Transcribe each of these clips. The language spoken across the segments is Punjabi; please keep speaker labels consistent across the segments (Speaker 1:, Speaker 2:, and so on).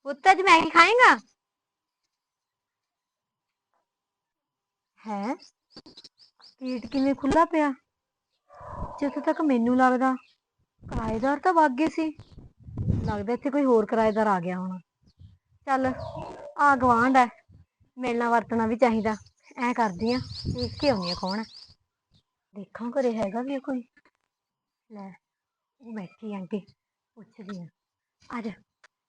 Speaker 1: ਪੁੱਤ ਅੱਜ ਮੈਗੀ ਖਾਏਗਾ? ਹੈ ਗੇਟ ਕਿਵੇਂ ਖੁੱਲਾ ਪਿਆ? ਜਿੱਥੇ ਤੱਕ ਮੈਨੂੰ ਲੱਗਦਾ ਕਿਰਾਏਦਾਰ ਤਾਂ ਵਗ ਗਏ ਸੀ। ਲੱਗਦਾ ਇੱਥੇ ਕੋਈ ਹੋਰ ਕਿਰਾਏਦਾਰ ਆ ਗਿਆ ਹੋਣਾ। ਚੱਲ ਆ ਗਵਾਂਢ ਹੈ, ਮਿਲਣਾ ਵਰਤਣਾ ਵੀ ਚਾਹੀਦਾ। ਐ ਕਰਦੀ ਆ, ਦੇਖ ਕੇ ਆਉਂਦੀ ਆ ਕੌਣ ਹੈ। ਦੇਖਾਂ ਘਰੇ ਹੈਗਾ ਵੀ ਆ ਕੋਈ। ਲੈ ਉਹ ਬੈਠੀ ਆਂਟੀ, ਪੁੱਛਦੀ ਆ। ਆ ਜਾ।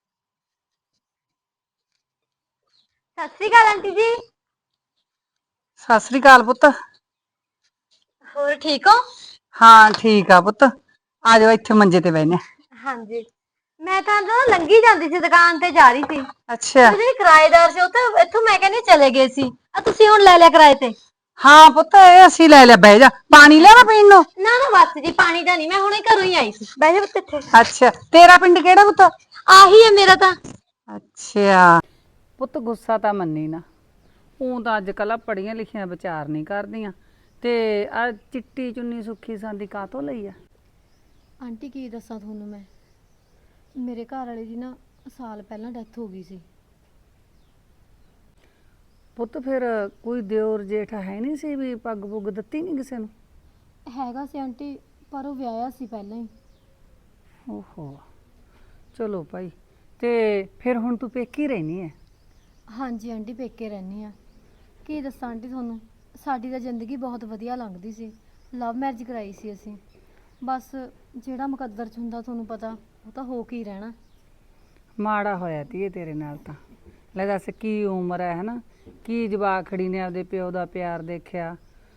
Speaker 1: ਸਤਿ ਸ੍ਰੀ ਅਕਾਲ ਆਂਟੀ ਜੀ।
Speaker 2: ਸਤਿ ਸ੍ਰੀ ਅਕਾਲ ਪੁੱਤ।
Speaker 1: ਹੋਰ ਠੀਕ ਹੋ?
Speaker 2: ਹਾਂ ਠੀਕ ਆ ਪੁੱਤ, ਆ ਜਾਓ ਇੱਥੇ ਮੰਜੇ ਤੇ ਬਹਿਨੇ।
Speaker 1: ਹਾਂਜੀ, ਮੈਂ ਤਾਂ ਨਾ ਲੰਘੀ ਜਾਂਦੀ ਸੀ, ਦੁਕਾਨ ਤੇ ਜਾ ਰਹੀ ਸੀ ਤੇ
Speaker 2: ਅੱਛਾ।
Speaker 1: ਉਹ ਜਿਹੜੇ ਕਿਰਾਏਦਾਰ ਸੀ ਉਹ ਤਾਂ ਇੱਥੋਂ ਮੈਂ ਕਹਿੰਦੀ ਚਲੇ ਗਏ ਸੀ। ਆ ਤੁਸੀਂ ਹੁਣ ਲੈ ਲਿਆ ਕਿਰਾਏ ਤੇ?
Speaker 2: ਹਾਂ ਪੁੱਤ ਇਹ ਅਸੀਂ ਲੈ ਲਿਆ, ਬਹਿ ਜਾ। ਪਾਣੀ ਲਿਆਵਾਂ ਪੀਣ ਨੂੰ?
Speaker 1: ਨਾ ਨਾ ਬਸ ਜੀ, ਪਾਣੀ ਦਾ ਨਹੀਂ, ਮੈਂ ਹੁਣੇ ਘਰੋਂ ਹੀ ਆਈ ਸੀ। ਬਹਿ ਜਾ ਪੁੱਤ ਇੱਥੇ।
Speaker 2: ਅੱਛਾ, ਤੇਰਾ ਪਿੰਡ ਕਿਹੜਾ ਪੁੱਤ?
Speaker 1: ਆਹੀ ਹੈ ਮੇਰਾ ਤਾਂ।
Speaker 2: ਅੱਛਾ ਪੁੱਤ, ਗੁੱਸਾ ਤਾਂ ਮੰਨੀ ਨਾ। ਉਹ ਤਾਂ ਅੱਜ ਕੱਲ੍ਹ ਪੜ੍ਹੀਆਂ ਲਿਖੀਆਂ ਵਿਚਾਰ ਨਹੀਂ ਕਰਦੀਆਂ। ਤੇ ਆ ਚਿੱਟੀ ਚੁੰਨੀ ਸੁੱਖੀ ਸਾਂਦੀ ਕਾਹਤੋਂ ਲਈ ਆ?
Speaker 3: ਆਂਟੀ ਕੀ ਦੱਸਾਂ ਤੁਹਾਨੂੰ ਮੈਂ, ਮੇਰੇ ਘਰ ਵਾਲੇ ਦੀ ਨਾ ਸਾਲ ਪਹਿਲਾਂ ਡੈਥ ਹੋ ਗਈ ਸੀ।
Speaker 2: ਪੁੱਤ ਫਿਰ ਕੋਈ ਦਿਓਰ ਜੇਠ ਹੈ ਨਹੀਂ ਸੀ ਵੀ ਪੱਗ ਪੁੱਗ ਦਿੱਤੀ ਨਹੀਂ ਕਿਸੇ ਨੂੰ?
Speaker 3: ਹੈਗਾ ਸੀ ਆਂਟੀ, ਪਰ ਉਹ ਵਿਆਹਿਆ ਸੀ ਪਹਿਲਾਂ ਹੀ।
Speaker 2: ਓਹੋ, ਚਲੋ ਭਾਈ। ਤੇ ਫਿਰ ਹੁਣ ਤੂੰ ਪੇਕੀ ਰਹਿਨੀ ਹੈ?
Speaker 3: ਹਾਂਜੀ ਆਂਟੀ, ਪੇਕੇ ਰਹਿੰਦੀ ਆ। ਕੀ ਦੱਸਾਂ ਆਂਟੀ ਤੁਹਾਨੂੰ, ਸਾਡੀ ਤਾਂ ਜ਼ਿੰਦਗੀ ਬਹੁਤ ਵਧੀਆ ਲੰਘਦੀ ਸੀ। ਲਵ ਮੈਰਿਜ ਕਰਾਈ ਸੀ ਅਸੀਂ। ਬਸ ਜਿਹੜਾ ਮੁਕੱਦਰ 'ਚ ਹੁੰਦਾ ਤੁਹਾਨੂੰ ਪਤਾ, ਉਹ ਤਾਂ ਹੋ ਕੇ ਹੀ ਰਹਿਣਾ।
Speaker 2: ਮਾੜਾ ਹੋਇਆ ਧੀਏ ਤੇਰੇ ਨਾਲ ਤਾਂ। ਲੈ ਦੱਸ ਕੀ ਉਮਰ ਹੈ ਹਨਾ, ਕੀ ਜਵਾਖੜੀ ਨੇ ਆਪਦੇ ਪਿਓ ਦਾ ਪਿਆਰ ਦੇਖਿਆ।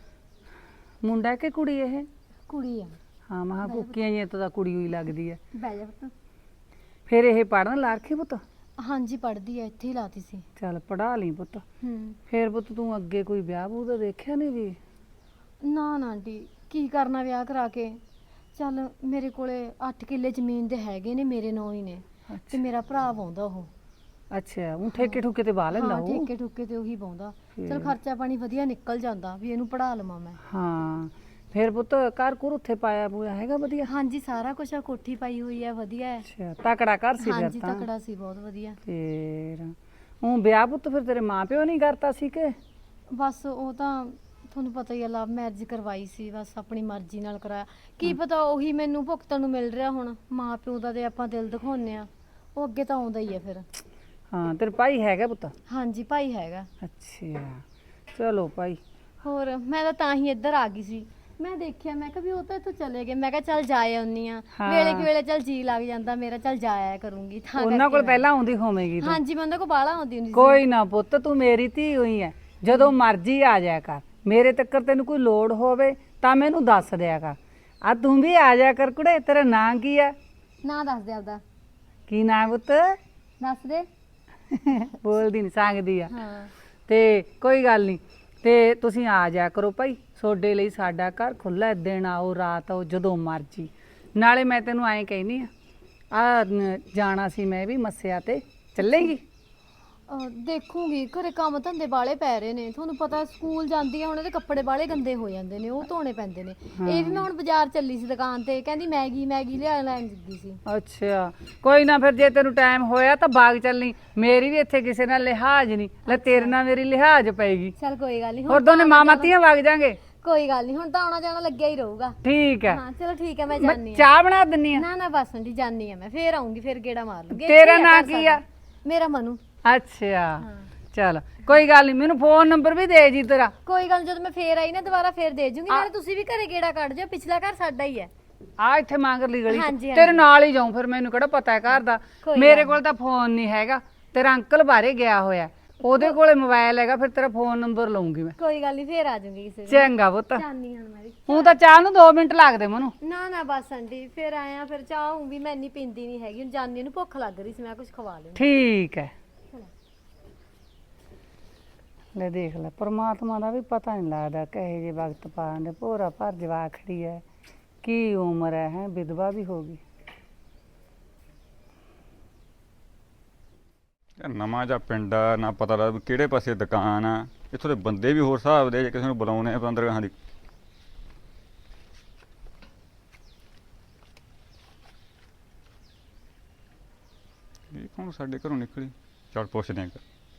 Speaker 2: ਮੁੰਡਾ ਕਿ ਕੁੜੀ ਇਹ?
Speaker 3: ਕੁੜੀ ਆ।
Speaker 2: ਹਾਂ ਮਹਾ ਕੁੱਕੀਆਂ ਜਿਹੀਆਂ ਤਾਂ ਕੁੜੀ ਹੋਈ ਲੱਗਦੀ ਹੈ।
Speaker 3: ਬਹਿ ਜਾ ਪੁੱਤ।
Speaker 2: ਫਿਰ ਇਹ ਪੜ੍ਹਨ ਲਾ ਰੱਖੀ ਪੁੱਤ?
Speaker 3: ਹਾਂਜੀ ਪੜ੍ਹਦੀ ਆ, ਇੱਥੇ ਹੀ ਲਾਤੀ ਸੀ।
Speaker 2: ਚੱਲ ਪੜ੍ਹਾ ਲਈ ਪੁੱਤ।
Speaker 3: ਹੂੰ।
Speaker 2: ਫਿਰ ਪੁੱਤ ਤੂੰ ਅੱਗੇ ਕੋਈ ਵਿਆਹ ਵੂਹ ਦਾ ਦੇਖਿਆ ਨਹੀਂ ਵੀ?
Speaker 3: ਨਾ ਨਾ ਆਂਟੀ, ਕੀ ਕਰਨਾ ਵਿਆਹ ਕਰਾ ਕੇ। ਚੱਲ ਮੇਰੇ ਕੋਲੇ 8 ਕਿੱਲੇ ਜ਼ਮੀਨ ਦੇ ਹੈਗੇ ਨੇ, ਮੇਰੇ ਨਾਂ ਹੀ ਨੇ। ਤੇ ਮੇਰਾ ਭਰਾ ਵਾਉਂਦਾ ਉਹ।
Speaker 2: ਅੱਛਾ, ਉਹ ਠੇਕੇ ਠੁਕੇ ਤੇ ਵਾਹ ਲੈਂਦਾ
Speaker 3: ਹਾਂ
Speaker 2: ਉਹ?
Speaker 3: ਠੇਕੇ ਠੁਕੇ ਤੇ ਉਹੀ ਪਾਉਂਦਾ। ਚਲ ਖਰਚਾ ਪਾਣੀ ਵਧੀਆ ਨਿਕਲ ਜਾਂਦਾ, ਵੀ ਇਹਨੂੰ ਪੜ੍ਹਾ ਲਵਾਂ ਮੈਂ।
Speaker 2: ਹਾਂ ਫਿਰ ਪੁੱਤ ਘਰ ਘੁਰ ਉੱਥੇ ਪਾਇਆ ਪੂਆ ਹੈਗਾ ਵਧੀਆ?
Speaker 3: ਹਾਂਜੀ ਸਾਰਾ ਕੁਝ ਆ, ਕੋਠੀ ਪਾਈ ਹੋਈ ਹੈ, ਵਧੀਆ ਹੈ।
Speaker 2: ਅੱਛਾ, ਤਕੜਾ ਘਰ ਸੀ ਫਿਰ
Speaker 3: ਹਾਂਜੀ
Speaker 2: ਤਾਂ?
Speaker 3: ਤਕੜਾ ਸੀ, ਬਹੁਤ ਵਧੀਆ।
Speaker 2: ਫਿਰ ਉਹ ਵਿਆਹ ਪੁੱਤ ਫਿਰ ਤੇਰੇ ਮਾਂ ਪਿਓ ਨਹੀਂ ਕਰਤਾ ਸੀ ਕਿ?
Speaker 3: ਬਸ ਉਹ ਤਾਂ ਤੁਹਾਨੂੰ ਪਤਾ ਹੀ ਆ, ਲਵ ਮੈਰਿਜ ਕਰਵਾਈ ਸੀ, ਬਸ ਆਪਣੀ ਮਰਜ਼ੀ ਨਾਲ ਕਰਾਇਆ। ਕੀ ਪਤਾ ਉਹੀ ਮੈਨੂੰ ਭੁਗਤਣ ਨੂੰ ਮਿਲ ਰਿਹਾ ਹੁਣ। ਮਾਂ ਪਿਓ ਦਾ ਤੇ ਆਪਾਂ ਦਿਲ ਦਿਖਾਉਂਦੇ ਆ, ਉਹ ਅੱਗੇ ਤਾਂ ਆਉਂਦਾ ਹੀ ਆ ਫਿਰ।
Speaker 2: ਹਾਂ ਤੇਰੇ ਭਾਈ ਹੈਗਾ ਪੁੱਤ?
Speaker 3: ਹਾਂਜੀ ਭਾਈ ਹੈਗਾ।
Speaker 2: ਅੱਛਾ ਚਲੋ ਭਾਈ।
Speaker 3: ਹੋਰ ਮੈਂ ਤਾਂ ਹੀ ਇੱਧਰ ਆ ਗਈ ਸੀ। ਮੈਂ ਦੇਖਿਆ, ਮੈਂ ਕਿਹਾ ਵੀ ਉਹ ਤਾਂ ਇੱਥੋਂ ਚਲੇ ਗਏ, ਮੈਂ ਕਿਹਾ ਚੱਲ ਜਾ ਆਉਂਦੀ ਆ। ਵੇਲੇ ਕਿ ਵੇਲੇ ਚੱਲ ਜੀ ਲੱਗ ਜਾਂਦਾ ਮੇਰਾ, ਚੱਲ ਜਾ ਆਇਆ ਕਰੂੰਗੀ ਤਾਂ
Speaker 2: ਉਹਨਾਂ ਕੋਲ ਪਹਿਲਾਂ ਆਉਂਦੀ ਹੋਵੇਂਗੀ ਤੂੰ?
Speaker 3: ਹਾਂਜੀ ਮੈਂ ਉਹਨਾਂ ਕੋਲ ਬਾਹਲਾ ਆਉਂਦੀ ਹੁੰਦੀ ਸੀ।
Speaker 2: ਕੋਈ ਨਾ ਪੁੱਤ, ਤੂੰ ਮੇਰੀ ਧੀ ਹੋਈ ਐ, ਜਦੋਂ ਮਰਜ਼ੀ ਆ ਜਾਇਆ ਕਰ। ਮੇਰੇ ਤੱਕ ਤੈਨੂੰ ਕੋਈ ਲੋੜ ਹੋਵੇ ਤਾਂ ਮੈਨੂੰ ਦੱਸ ਦਿਆ ਕਰ। ਆ ਤੂੰ ਵੀ ਆ ਜਾਇਆ ਕਰ ਕੁੜੇ। ਤੇਰਾ ਨਾਂ ਕੀ ਆ?
Speaker 3: ਨਾਂ ਦੱਸ ਦੇ ਆਪਦਾ।
Speaker 2: ਕੀ ਨਾਂ ਪੁੱਤ?
Speaker 3: ਦੱਸ ਦੇ।
Speaker 2: ਬੋਲਦੀ ਨਹੀਂ, ਸੰਗਦੀ ਆ।
Speaker 3: ਹਾਂ
Speaker 2: ਤੇ ਕੋਈ ਗੱਲ ਨਹੀਂ, ਤੇ ਤੁਸੀਂ ਆ ਜਾਇਆ ਕਰੋ ਭਾਈ। ਤੁਹਾਡੇ ਲਈ ਸਾਡਾ ਘਰ ਖੁੱਲ੍ਹਾ, ਦਿਨ ਆਓ ਰਾਤ ਆਓ ਜਦੋਂ ਮਰਜ਼ੀ। ਨਾਲੇ ਮੈਂ ਤੈਨੂੰ ਐਂ ਕਹਿੰਦੀ ਆ ਜਾਣਾ ਸੀ ਮੈਂ ਵੀ ਮੱਸਿਆ ਤੇ, ਚੱਲੇਗੀ?
Speaker 3: ਦੇਖੂਗੀ, ਘਰੇ ਕੰਮ ਧੰਦੇ ਬਾਲੇ ਪੈ ਰਹੇ ਨੇ, ਤੁਹਾਨੂੰ ਪਤਾ ਸਕੂਲ ਜਾਂਦੀ ਆ ਹੁਣ, ਇਹਦੇ ਕੱਪੜੇ ਬਾਲੇ ਗੰਦੇ ਹੋ ਜਾਂਦੇ ਨੇ, ਉਹ ਧੋਣੇ ਪੈਂਦੇ ਨੇ। ਇਹ ਵੀ ਮੈਂ ਹੁਣ ਬਾਜ਼ਾਰ ਚੱਲੀ ਸੀ ਦੁਕਾਨ ਤੇ, ਕਹਿੰਦੀ ਮੈਗੀ ਮੈਗੀ ਲੈਣ ਲੱਗੀ ਸੀ।
Speaker 2: ਅੱਛਾ ਕੋਈ ਨਾ, ਫਿਰ ਜੇ ਤੈਨੂੰ ਟਾਈਮ ਹੋਇਆ ਤਾਂ ਬਾਗ ਚੱਲਣੀ। ਮੇਰੀ ਵੀ ਇੱਥੇ ਕਿਸੇ ਨਾਲ ਲਿਹਾਜ਼ ਨਹੀਂ, ਲੈ ਤੇਰੇ ਨਾਲ ਮੇਰੀ ਲਿਹਾਜ਼ ਪਏਗੀ।
Speaker 3: ਚੱਲ ਕੋਈ ਗੱਲ ਨਹੀਂ,
Speaker 2: ਹੋਰ ਦੋਨੇ ਮਾਮਾ ਧੀਆਂ ਵਗ ਜਾਾਂਗੇ।
Speaker 3: ਕੋਈ ਗੱਲ ਨਹੀਂ, ਹੁਣ ਤਾਂ ਆਉਣਾ ਜਾਣਾ ਲੱਗਿਆ ਹੀ ਰਹੂਗਾ।
Speaker 2: ਠੀਕ ਹੈ।
Speaker 3: ਹਾਂ ਚਲੋ ਠੀਕ ਹੈ, ਮੈਂ
Speaker 2: ਮੈਂ
Speaker 3: ਜਾਣੀ ਆ।
Speaker 2: ਚਾਹ ਬਣਾ ਦਿੰਨੀ ਆ।
Speaker 3: ਨਾ ਨਾ ਬਸ ਆਂਟੀ ਜਾਣੀ ਆ, ਮੈਂ ਫੇਰ ਆਉਂਗੀ, ਫੇਰ ਗੇੜਾ ਮਾਰ ਲੂੰਗੀ।
Speaker 2: ਤੇਰਾ ਨਾਂ ਕੀ ਆ?
Speaker 3: ਮੇਰਾ ਮਨੂ।
Speaker 2: ਅੱਛਾ ਚਲ ਕੋਈ ਗੱਲ ਨਹੀਂ, ਮੈਨੂੰ ਫੋਨ ਨੰਬਰ ਵੀ ਦੇ ਜੀ ਤੇਰਾ।
Speaker 3: ਕੋਈ ਗੱਲ ਨੀ, ਜਦੋਂ ਮੈਂ ਫੇਰ ਆਈ ਨਾ ਦੁਬਾਰਾ ਫੇਰ ਦੇ ਜੂੰਗੀ। ਨਾਲੇ ਤੁਸੀਂ ਵੀ ਘਰੇ ਗੇੜਾ ਕੱਢ ਜਾਓ, ਪਿਛਲਾ ਘਰ ਸਾਡਾ ਹੀ ਹੈ।
Speaker 2: ਆ ਇੱਥੇ ਮੰਗਰਲੀ ਗਲੀ
Speaker 3: ਹਾਂਜੀ,
Speaker 2: ਤੇਰੇ ਨਾਲ ਹੀ ਜਾਉਂ, ਫਿਰ ਮੈਨੂੰ ਕਿਹੜਾ ਪਤਾ ਹੈ ਘਰ ਦਾ।
Speaker 3: ਕੋਈ
Speaker 2: ਮੇਰੇ
Speaker 3: ਗੱਲ
Speaker 2: ਕੋਲ ਤਾਂ ਫੋਨ ਨਹੀਂ ਹੈਗਾ, ਤੇਰਾ ਅੰਕਲ ਬਾਹਰੇ ਗਿਆ ਹੋਇਆ, ਉਹਦੇ ਕੋਲੇ ਮੋਬਾਈਲ ਹੈਗਾ, ਫਿਰ ਤੇਰਾ ਫੋਨ ਨੰਬਰ ਲਊਂਗੀ ਮੈਂ।
Speaker 3: ਕੋਈ ਗੱਲ ਨਹੀਂ, ਫੇਰ ਆ ਜਾਊਂਗੀ ਕਿਸੇ ਦਿਨ।
Speaker 2: ਚੰਗਾ ਪੁੱਤ।
Speaker 3: ਜਾਣੀ ਹੁਣ ਮੈਂ ਵੀ।
Speaker 2: ਹੁਣ ਤਾਂ ਚਾਹ ਨੂੰ 2 ਮਿੰਟ ਲੱਗਦੇ ਮੈਨੂੰ।
Speaker 3: ਨਾ ਨਾ ਬਸ ਆਂਟੀ, ਫੇਰ ਆਇਆ, ਫਿਰ ਚਾਹ ਹੂੰ ਵੀ ਮੈਂ ਇੰਨੀ ਪੀਂਦੀ ਨਹੀਂ ਹੈਗੀ, ਹੁਣ ਜਾਨੀ ਨੂੰ ਭੁੱਖ ਲੱਗ ਰਹੀ ਸੀ, ਮੈਂ ਕੁਝ ਖਵਾ ਲਿਆ।
Speaker 2: ਠੀਕ ਹੈ। ਲੈ ਦੇਖ ਲੈ, ਪਰਮਾਤਮਾ ਦਾ ਵੀ ਪਤਾ ਨਹੀਂ ਲੱਗਦਾ ਕਹੇ ਜੇ ਵਕਤ ਪਾਣ ਦੇ। ਭੋਰਾ ਭਰ ਜਵਾਖੜੀ ਹੈ, ਕੀ ਉਮਰ ਹੈ, ਵਿਧਵਾ ਵੀ ਹੋ ਗਈ।
Speaker 4: ਨਵਾਂ ਜਿਹਾ ਪਿੰਡ ਆ, ਨਾ ਪਤਾ ਲੱਗਦਾ ਵੀ ਕਿਹੜੇ ਪਾਸੇ ਦੁਕਾਨ ਆ। ਇੱਥੋਂ ਦੇ ਬੰਦੇ ਵੀ ਹੋਰ ਹਿਸਾਬ ਦੇ, ਜੇ ਕਿਸੇ ਨੂੰ ਬੁਲਾਉਣੇ ਆ ਅੰਦਰ ਗਾਹਾਂ ਦੀ। ਇਹ ਕੌਣ ਹੁਣ ਸਾਡੇ ਘਰੋਂ ਨਿਕਲੀ। ਚੱਲ ਪੁੱਛਦੇ ਆਂ।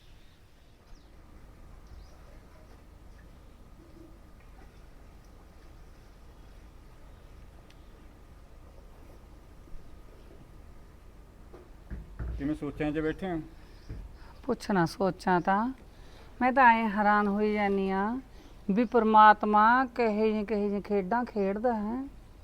Speaker 4: ਕਿਵੇਂ ਸੋਚਾਂ 'ਚ ਬੈਠੇ ਹੋ?
Speaker 2: ਪੁੱਛਣਾ ਸੋਚਾਂ ਤਾਂ ਮੈਂ ਤਾਂ ਐ ਹੈਰਾਨ ਹੋਈ ਜਾਂਦੀ ਆ ਵੀ ਪ੍ਰਮਾਤਮਾ ਕਹੇ ਜਿਹੇ ਖੇਡਾਂ ਖੇਡਦਾ ਹੈ।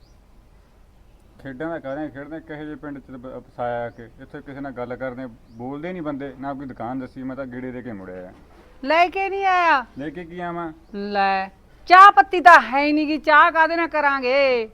Speaker 4: ਖੇਡਾਂ ਦਾ ਕਰਦੇ ਖੇਡਦੇ ਕਹੇ ਜਿਹੇ ਪਿੰਡ 'ਚ ਫਸਾਇਆ ਕਿ ਇੱਥੇ ਕਿਸੇ ਨਾਲ ਗੱਲ ਕਰਦੇ ਬੋਲਦੇ ਨਹੀਂ ਬੰਦੇ, ਨਾ ਕੋਈ ਦੁਕਾਨ ਦੱਸੀ। ਮੈਂ ਤਾਂ ਗੇੜੇ ਦੇ ਕੇ ਮੁੜਿਆ ਆ।
Speaker 2: ਲੈ ਕੇ ਨਹੀਂ ਆਇਆ?
Speaker 4: ਲੈ ਕੇ ਕੀ ਆਵਾਂ?
Speaker 2: ਲੈ ਚਾਹ ਪੱਤੀ ਤਾਂ ਹੈ ਹੀ ਨਹੀਂ ਗੀ, ਚਾਹ ਕਾਹਦੇ ਨਾਲ ਕਰਾਂਗੇ।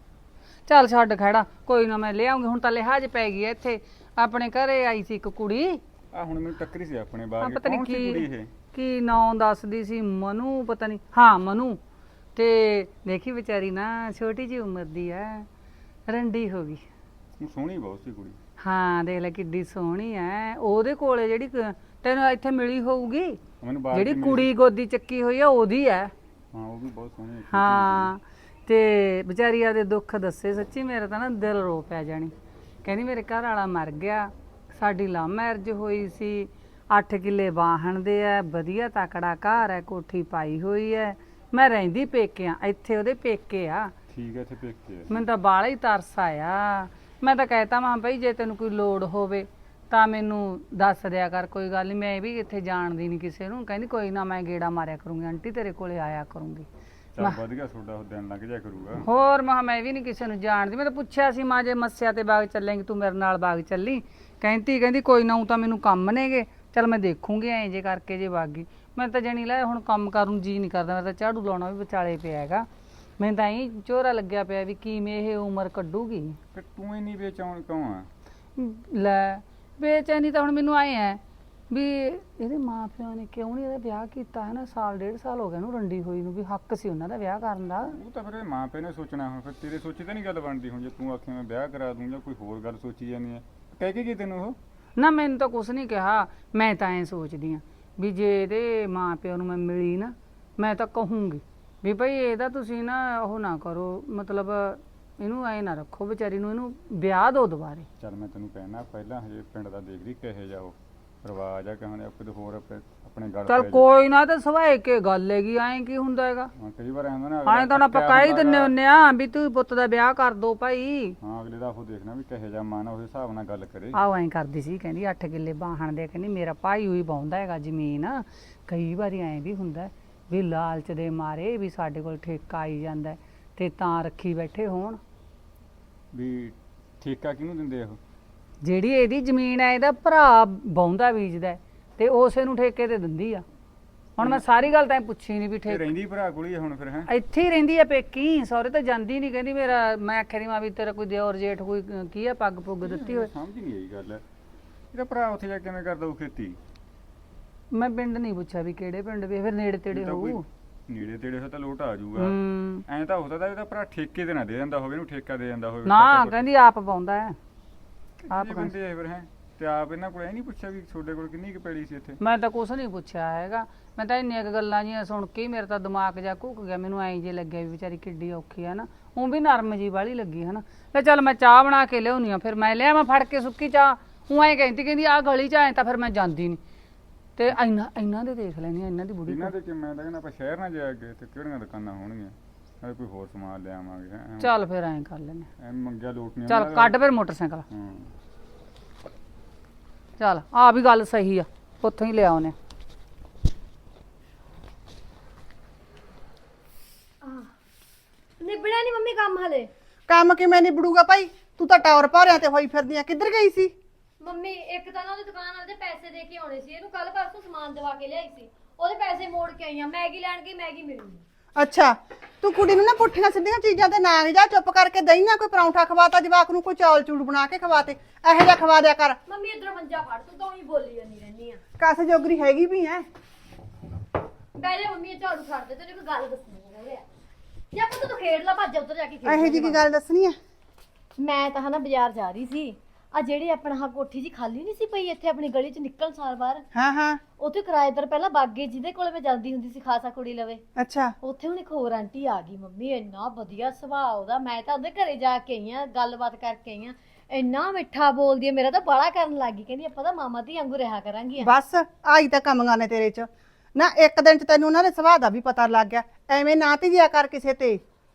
Speaker 2: ਚੱਲ ਛੱਡ ਖੜਾ, ਕੋਈ ਨਾ ਮੈਂ ਲੈ ਆਉਂਗੀ। ਹੁਣ ਤਾਂ ਲਿਹਾਜ਼ ਪੈ ਗਈ ਐ ਇੱਥੇ। ਆਪਣੇ ਘਰੇ ਆਈ ਸੀ ਇੱਕ ਕੁੜੀ,
Speaker 4: ਆ ਹੁਣ ਮੈਨੂੰ ਟੱਕਰੀ ਸੀ ਆਪਣੇ ਬਾਗ।
Speaker 2: ਪਤਾ ਨਹੀਂ
Speaker 4: ਕੌਣ ਸੀ ਕੁੜੀ
Speaker 2: ਕੀ
Speaker 4: ਇਹ?
Speaker 2: ਕੀ ਨਾਂ ਦੱਸਦੀ ਸੀ, ਮਨੂ ਪਤਾ ਨਹੀਂ, ਹਾਂ ਮਨੂ। ਤੇ ਦੇਖੀ ਵਿਚਾਰੀ ਨਾ ਛੋਟੀ ਜਿਹੀ ਉਮਰ ਦੀ ਐ, ਰੰਡੀ ਹੋ ਗਈ।
Speaker 4: ਸੋਹਣੀ ਬਹੁਤ ਸੀ ਕੁੜੀ।
Speaker 2: ਹਾਂ ਦੇਖ ਲੈ ਕਿੱਡੀ ਸੋਹਣੀ ਐ। ਉਹਦੇ ਕੋਲੇ ਜਿਹੜੀ ਤੈਨੂੰ ਇੱਥੇ ਮਿਲੀ ਹੋਊਗੀ,
Speaker 4: ਮੈਨੂੰ ਬਾਗ
Speaker 2: ਜਿਹੜੀ ਕੁੜੀ ਗੋਦੀ ਚੱਕੀ ਹੋਈ ਆ ਉਹਦੀ ਐ।
Speaker 4: ਹਾਂ ਉਹ ਵੀ ਬਹੁਤ ਸੋਹਣੀ ਹੈ।
Speaker 2: ਹਾਂ ਤੇ ਵਿਚਾਰੀ ਆਦੇ ਦੁੱਖ ਦੱਸੇ। ਸੱਚੀ ਮੇਰਾ ਤਾਂ ਨਾ ਦਿਲ ਰੋ ਪਿਆ ਜਾਣੀ। ਕਹਿੰਦੀ ਮੇਰੇ ਘਰ ਵਾਲਾ ਮਰ ਗਿਆ, ਸਾਡੀ ਲਵ ਮੈਰਿਜ ਹੋਈ ਸੀ, 8 ਕਿੱਲੇ ਵਾਹਣ ਦੇ ਐ, ਵਧੀਆ ਤਕੜਾ ਘਰ ਐ, ਕੋਠੀ ਪਾਈ ਹੋਈ ਐ, ਮੈਂ ਰਹਿੰਦੀ ਪੇਕੇ ਆ, ਇੱਥੇ ਉਹਦੇ ਪੇਕੇ ਆ।
Speaker 4: ਠੀਕ ਹੈ, ਇੱਥੇ ਪੇਕੇ ਆ।
Speaker 2: ਮੈਨੂੰ ਤਾਂ ਬਾਹਲਾ ਹੀ ਤਰਸ ਆਇਆ। ਮੈਂ ਤਾਂ ਕਹਿਤਾ ਮਾਂ ਭਾਈ ਜੇ ਤੈਨੂੰ ਕੋਈ ਲੋੜ ਹੋਵੇ ਤਾਂ ਮੈਨੂੰ ਦੱਸ ਦਿਆ ਕਰ, ਕੋਈ ਗੱਲ ਨਹੀਂ, ਮੈਂ ਵੀ ਇੱਥੇ ਜਾਣਦੀ ਨਹੀਂ ਕਿਸੇ ਨੂੰ। ਕਹਿੰਦੀ ਕੋਈ ਨਾ ਮੈਂ ਗੇੜਾ ਮਾਰਿਆ ਕਰੂੰਗੀ ਆਂਟੀ, ਤੇਰੇ ਕੋਲੇ ਆਇਆ ਕਰੂੰਗੀ।
Speaker 4: ਚੱਲ ਵਧੀਆ, ਤੁਹਾਡਾ ਉਹ ਦਿਨ ਲੰਘ ਜਾ ਕਰੂਗਾ।
Speaker 2: ਹੋਰ ਮੈਂ ਵੀ ਨਹੀਂ ਕਿਸੇ ਨੂੰ ਜਾਣਦੀ। ਮੈਂ ਤਾਂ ਪੁੱਛਿਆ ਸੀ ਮਾਂ ਜੇ ਮੱਸਿਆ ਤੇ ਬਾਗ ਚੱਲੇਂਗੀ ਤੂੰ ਮੇਰੇ ਨਾਲ ਬਾਗ ਚੱਲੀ? ਕਹਿੰਦੀ ਕੋਈ ਨਾ, ਊਂ ਤਾਂ ਮੈਨੂੰ ਕੰਮ ਨੇਗੇ, ਚੱਲ ਮੈਂ ਦੇਖੂੰਗੀ ਐਂ ਜੇ ਕਰਕੇ ਜੇ ਬਾਗੀ। ਮੈਂ ਤਾਂ ਜਣੀ ਲੈ ਹੁਣ ਕੰਮ ਕਰਨ ਜੀ ਨਹੀਂ ਕਰਦਾ। ਮੈਂ ਤਾਂ ਝਾੜੂ ਲਾਉਣਾ ਵੀ ਵਿਚਾਲੇ ਪਿਆ ਹੈਗਾ। ਮੈਨੂੰ ਤਾਂ ਐਂ ਝੋਰਾ ਲੱਗਿਆ ਪਿਆ ਵੀ ਕਿਵੇਂ ਇਹ ਉਮਰ ਕੱਢੂਗੀ।
Speaker 4: ਤੇ ਤੂੰ ਇੰਨੀ ਬੇਚੈਨ ਕਿਉਂ ਆ?
Speaker 2: ਲੈ ਬੇਚੈਨੀ ਤਾਂ ਹੁਣ ਮੈਨੂੰ ਆਏ ਐ ਵੀ ਇਹਦੇ ਮਾਂ ਪਿਓ ਨੇ ਕਿਉਂ ਨਹੀਂ ਇਹਦਾ ਵਿਆਹ ਕੀਤਾ ਹੈ ਨਾ। 1.5 ਸਾਲ ਹੋ ਗਿਆ ਇਹਨੂੰ ਰੰਡੀ ਹੋਈ ਨੂੰ, ਵੀ ਹੱਕ ਸੀ ਉਹਨਾਂ ਦਾ ਵਿਆਹ ਕਰਨ ਦਾ।
Speaker 4: ਉਹ ਤਾਂ ਫਿਰ ਮਾਂ ਪਿਓ ਨੇ ਸੋਚਣਾ। ਹੁਣ ਫਿਰ ਤੇਰੇ ਸੋਚੀ ਤਾਂ ਨਹੀਂ ਗੱਲ ਬਣਦੀ। ਹੁਣ ਜੇ ਤੂੰ ਆਖੇ ਮੈਂ ਵਿਆਹ ਕਰਾ ਦੂੰ ਜਾਂ ਕੋਈ ਹੋਰ ਗੱਲ ਸੋਚੀ ਜਾਂਦੀ ਹੈ, ਕਹਿ ਕੇ ਕੀ ਤੈਨੂੰ ਉਹ?
Speaker 2: ਨਾ ਮੈਨੂੰ ਤਾਂ ਕੁਛ ਨਹੀਂ ਕਿਹਾ। ਮੈਂ ਤਾਂ ਐਂ ਸੋਚਦੀ ਆ ਵੀ ਜੇ ਇਹਦੇ ਮਾਂ ਪਿਓ ਨੂੰ ਮੈਂ ਮਿਲੀ ਨਾ, ਮੈਂ ਤਾਂ ਕਹੂੰਗੀ ਵੀ ਭਾਈ ਇਹਦਾ ਤੁਸੀਂ ਨਾ ਉਹ ਨਾ ਕਰੋ, ਮਤਲਬ ਇਹਨੂੰ ਐਂ ਨਾ ਰੱਖੋ ਵਿਚਾਰੀ ਨੂੰ, ਇਹਨੂੰ ਵਿਆਹ ਦਿਓ ਦੁਬਾਰੇ।
Speaker 4: ਚੱਲ ਮੈਂ ਤੈਨੂੰ ਕਹਿਣਾ ਪਹਿਲਾਂ ਹਜੇ ਪਿੰਡ ਦਾ ਦੇਖ ਲਈ ਕਿਹੋ ਜਿਹਾ ਉਹ ਰਿਵਾਜ ਆ, ਕਹਿੰਦੇ ਕਿਤੇ ਹੋਰ ਆਪਣੇ ਗੱਲ
Speaker 2: ਚੱਲ ਕੋਈ ਨਾ, ਤਾਂ ਸਵਾਏ ਕੇ ਗੱਲ ਹੈਗੀ, ਐਂ ਕੀ ਹੁੰਦਾ ਹੈਗਾ।
Speaker 4: ਕਈ ਵਾਰ ਆਉਂਦਾ ਨਾ
Speaker 2: ਐਂ ਤਾਂ ਨਾ ਪਕਾ ਹੀ ਦਿੰਨੇ ਹੁੰਨੇ ਆ ਵੀ ਤੂੰ ਪੁੱਤ ਦਾ ਵਿਆਹ ਕਰ ਦੋ ਭਾਈ।
Speaker 4: ਹਾਂ ਅਗਲੇ ਦਾ ਉਹ ਦੇਖਣਾ ਵੀ ਕਿਹੋ ਜਿਹਾ ਮਨ ਆ, ਉਸ ਹਿਸਾਬ ਨਾਲ ਗੱਲ ਕਰੇ।
Speaker 2: ਆਹੋ ਐਂ ਕਰਦੀ ਸੀ, ਕਹਿੰਦੀ 8 ਕਿੱਲੇ ਬਾਹਣ ਦੇ, ਕਹਿੰਦੀ ਮੇਰਾ ਭਾਈ ਹੋਈ ਬਾਉਂਦਾ ਹੈਗਾ ਜ਼ਮੀਨ। ਕਈ ਵਾਰੀ ਐਂ ਵੀ ਹੁੰਦਾ ਵੀ ਲਾਲਚ ਦੇ ਮਾਰੇ ਵੀ ਸਾਡੇ ਕੋਲ ਠੇਕਾ ਆਈ ਜਾਂਦਾ ਤੇ ਤਾਂ ਰੱਖੀ ਬੈਠੇ ਹੋਣ।
Speaker 4: ਵੀ ਠੇਕਾ ਕਿਹਨੂੰ ਦਿੰਦੇ ਉਹ?
Speaker 2: ਜਿਹੜੀ ਇਹਦੀ ਜ਼ਮੀਨ ਹੈ ਇਹਦਾ ਭਰਾ ਬਾਉਂਦਾ ਬੀਜਦਾ ਤੇ ਉਸੇ ਨੂੰ ਠੇਕੇ ਤੇ ਦਿੰਦੀ ਆ। ਹੁਣ ਮੈਂ ਸਾਰੀ ਗੱਲ ਤਾਂ ਪੁੱਛੀ ਨਹੀਂ ਵੀ
Speaker 4: ਤੇ
Speaker 2: ਠੇਕੇ
Speaker 4: ਰਹਿੰਦੀ ਭਰਾ ਕੋਲ ਹੀ ਆ ਹੁਣ ਫਿਰ। ਹੈ
Speaker 2: ਇੱਥੇ ਹੀ ਰਹਿੰਦੀ ਆ ਪੇਕੀ, ਸਹੁਰੇ ਤਾਂ ਜਾਂਦੀ ਨਹੀਂ। ਕਹਿੰਦੀ ਮੇਰਾ, ਮੈਂ ਆਖਿਆ ਦੀ ਮਾਂ ਵੀ ਤੇਰਾ ਕੋਈ ਦਿਓਰ ਜੇਠ ਕੋਈ ਕੀ ਆ ਪੱਗ ਪੁੱਗ ਦਿੱਤੀ ਹੋਏ।
Speaker 4: ਸਮਝ ਨਹੀਂ ਆਈ ਗੱਲ। ਇਹਦਾ ਭਰਾ ਉੱਥੇ ਜਾ ਕੇ ਕਿਵੇਂ ਕਰਦਾ ਉਹ ਖੇਤੀ?
Speaker 2: ਮੈਂ ਪਿੰਡ ਨਹੀਂ ਪੁੱਛਿਆ ਵੀ ਕਿਹੜੇ ਪਿੰਡ ਵੀ, ਫਿਰ ਨੇੜੇ ਤੇੜੇ
Speaker 4: ਤਾਂ ਕੋਈ
Speaker 2: ਹੋਊ।
Speaker 4: ਨੇੜੇ ਤੇੜੇ ਹੋ ਤਾਂ ਲੋਟ ਆ ਜਾਊਗਾ।
Speaker 2: ਹੂੰ
Speaker 4: ਐਂ ਤਾਂ ਹੋ ਸਕਦਾ ਇਹਦਾ ਭਰਾ ਠੇਕੇ ਤੇ ਨਾ ਦੇ ਜਾਂਦਾ ਹੋਵੇ, ਇਹਨੂੰ ਠੇਕਾ ਦੇ ਜਾਂਦਾ ਹੋਵੇ।
Speaker 2: ਨਾ ਕਹਿੰਦੀ ਆਪ ਪਾਉਂਦਾ ਹੈ ਆਪ।
Speaker 4: ਬੰਦੇ ਆ ਫਿਰ। ਹੈ ਤੇ ਆਪ ਇਹਨਾਂ ਕੋਲ ਇਹ ਨਹੀਂ ਪੁੱਛਿਆ ਵੀ ਤੁਹਾਡੇ ਕੋਲ ਕਿੰਨੀ ਕੁ ਪੈੜੀ ਸੀ ਇੱਥੇ?
Speaker 2: ਮੈਂ ਤਾਂ ਕੁਛ ਨਹੀਂ ਪੁੱਛਿਆ ਹੈਗਾ। ਮੈਂ ਤਾਂ ਇੰਨੀਆਂ ਕੁ ਗੱਲਾਂ ਜੀਆਂ ਸੁਣ ਕੇ ਹੀ ਮੇਰਾ ਤਾਂ ਦਿਮਾਗ ਜਾ ਘੁੱਕ ਗਿਆ। ਮੈਨੂੰ ਐਂ ਜੇ ਲੱਗਿਆ ਵੀ ਵਿਚਾਰੀ ਕਿੱਡੀ ਔਖੀ ਆ ਨਾ, ਉਹ ਵੀ ਨਰਮ ਜੀ ਵਾਲੀ ਲੱਗੀ ਹੈ ਨਾ। ਲੈ ਚੱਲ ਮੈਂ ਚਾਹ ਬਣਾ ਕੇ ਲਿਆਉਣੀ ਆ, ਫਿਰ ਮੈਂ ਲਿਆ ਮੈਂ ਫੜ ਕੇ ਸੁੱਕੀ ਚਾਹ। ਉਹ ਐਂ ਕਹਿੰਦੀ ਆਹ ਗਲੀ ਚ ਆਏ ਤਾਂ ਫਿਰ ਮੈਂ ਜਾਂਦੀ ਨਹੀਂ। ਤੇ ਇਹਨਾਂ ਦੇ ਦੇਖ ਲੈਣੀ ਇਹਨਾਂ ਦੀ ਬੁੜੀ
Speaker 4: ਇਹਨਾਂ ਦੇ ਕਿ ਮੈਂ ਤਾਂ ਕਹਿੰਦਾ ਆਪਾਂ ਸ਼ਹਿਰ ਨਾ ਜਾ ਕੇ ਤੇ ਕਿਹੜੀਆਂ ਦੁਕਾਨਾਂ ਹੋਣਗੀਆਂ, ਨਾਲੇ ਕੋਈ ਹੋਰ ਸਮਾਨ ਲੈ ਆਵਾਂਗੇ। ਹੈਂ
Speaker 2: ਚੱਲ ਫਿਰ ਐਂ ਕਰ ਲੈਨੇ।
Speaker 4: ਐ ਮੰਗਿਆ ਲੋਟ ਨਹੀਂ।
Speaker 2: ਚੱਲ ਕੱਢ ਫਿਰ ਮੋਟਰਸਾਈਕਲ।
Speaker 4: ਹਾਂ
Speaker 2: ਚੱਲ ਆ ਵੀ ਗੱਲ ਸਹੀ ਆ, ਉੱਥੋਂ ਹੀ ਲਿਆ ਉਹਨੇ।
Speaker 3: ਨਿਬੜਿਆ ਨਹੀਂ ਮੰਮੀ ਕੰਮ ਹਲੇ?
Speaker 5: ਕੰਮ ਕਿਵੇਂ ਨਿਬੜੂਗਾ ਭਾਈ? ਤੂੰ ਤਾਂ ਟਾਵਰ ਭਾਰਿਆਂ ਤੇ ਹੋਈ ਫਿਰਦੀ ਆ। ਕਿੱਧਰ ਗਈ ਸੀ?
Speaker 3: ਮੰਮੀ ਇੱਕ ਤਾਂ ਨਾ ਉਹਦੀ ਦੁਕਾਨ ਵਾਲੇ ਦੇ ਪੈਸੇ ਦੇ ਕੇ ਆਉਣੇ ਸੀ, ਇਹਨੂੰ ਕੱਲ ਪਰਸੋਂ ਸਮਾਨ ਦਵਾ ਕੇ ਲਿਆਈ ਸੀ, ਉਹਦੇ ਪੈਸੇ ਮੋੜ ਕੇ ਆਈ ਆ। ਮੈਗੀ ਲੈਣ ਗਈ, ਮੈਗੀ ਮਿਲੀ ਨੀ।
Speaker 5: ਅੱਛਾ, ਤੂੰ ਕੁੜੀ ਨੂੰ ਨਾ ਪੁੱਠੀਆਂ ਸਿੱਧੀਆਂ ਚੀਜ਼ਾਂ ਤੇ ਨਾ ਜਾ, ਚੁੱਪ ਕਰਕੇ ਦਹੀਂ ਨਾ ਕੋਈ ਪਰੌਂਠਾ ਖਵਾਤਾ ਜਵਾਕ ਨੂੰ, ਕੋਈ ਚੌਲ ਚੂੜ ਬਣਾ ਕੇ ਖਵਾਤੇ, ਇਹੋ ਜਿਹਾ ਖਵਾ ਦਿਆ ਕਰ।
Speaker 3: ਮੰਮੀ ਇਧਰੋਂ ਮੰਜਾ ਫੜ, ਤੂੰ ਤਾਂ ਹੀ ਬੋਲੀ ਜਾਂਦੀ ਰਹਿੰਦੀ ਆ।
Speaker 5: ਕਾਸੇ ਜੋਗਰੀ ਹੈਗੀ ਵੀ ਐ।
Speaker 3: ਬੈਲੇ ਮੰਮੀ ਇਹ ਝਾੜੂ ਛੱਡ ਦੇ, ਤੈਨੂੰ ਇੱਕ ਗੱਲ ਦੱਸਣੀ ਹੈ। ਜਾਂ ਪੁੱਤ ਤੂੰ ਖੇਡ ਲਾ, ਭੱਜ ਉੱਧਰ ਜਾ ਕੇ ਖੇਡ।
Speaker 5: ਇਹੋ ਜਿਹੀ ਕੀ ਗੱਲ ਦੱਸਣੀ ਐ?
Speaker 3: ਮੈਂ ਤਾਂ ਹਨਾ ਬਾਜ਼ਾਰ ਜਾ ਰਹੀ ਸੀ, ਆ ਜਿਹੜੀ ਆਪਣਾ ਆਹ ਕੋਠੀ ਜੀ ਖਾਲੀ ਨਹੀਂ ਸੀ ਪਈ ਇੱਥੇ ਆਪਣੀ ਗਲੀ ਚ ਨਿਕਲਣ ਸਾਰ ਬਾਹਰ,
Speaker 5: ਹਾਂ ਹਾਂ
Speaker 3: ਉੱਥੇ ਕਿਰਾਏਦਾਰ ਪਹਿਲਾਂ ਬਾਗੇ ਜਿਹਦੇ ਕੋਲ ਮੈਂ ਜਾਂਦੀ ਹੁੰਦੀ ਸੀ ਖਾਸਾ ਕੁੜੀ ਲਵੇ,
Speaker 5: ਅੱਛਾ
Speaker 3: ਉੱਥੇ ਹੁਣ ਇੱਕ ਹੋਰ ਆਂਟੀ ਆ ਗਈ। ਮੰਮੀ ਇੰਨਾ ਵਧੀਆ ਸੁਭਾਅ ਉਹਦਾ, ਮੈਂ ਤਾਂ ਉਹਦੇ ਘਰੇ ਜਾ ਕੇ ਆਈ ਆ, ਗੱਲਬਾਤ ਕਰਕੇ ਆਈ ਆ। ਇੰਨਾ ਮਿੱਠਾ ਬੋਲਦੀ ਹੈ, ਮੇਰਾ ਤਾਂ ਬਾਲਾ ਕਰਨ ਲੱਗ ਗਈ। ਕਹਿੰਦੀ ਆਪਾਂ ਤਾਂ ਮਾਮਾ ਧੀ ਵਾਂਗੂ ਰਿਹਾ ਕਰਾਂਗੀਆਂ।
Speaker 5: ਬਸ ਆਈ ਤਾਂ ਕਮੀਆਂ ਨੇ ਤੇਰੇ 'ਚ ਨਾ, ਇੱਕ ਦਿਨ 'ਚ ਤੈਨੂੰ ਉਹਨਾਂ ਦੇ ਸੁਭਾਅ ਦਾ ਵੀ ਪਤਾ ਲੱਗ ਗਿਆ। ਐਵੇਂ ਨਾ ਧੀਆ ਕਰ ਕਿਸੇ ਤੇ।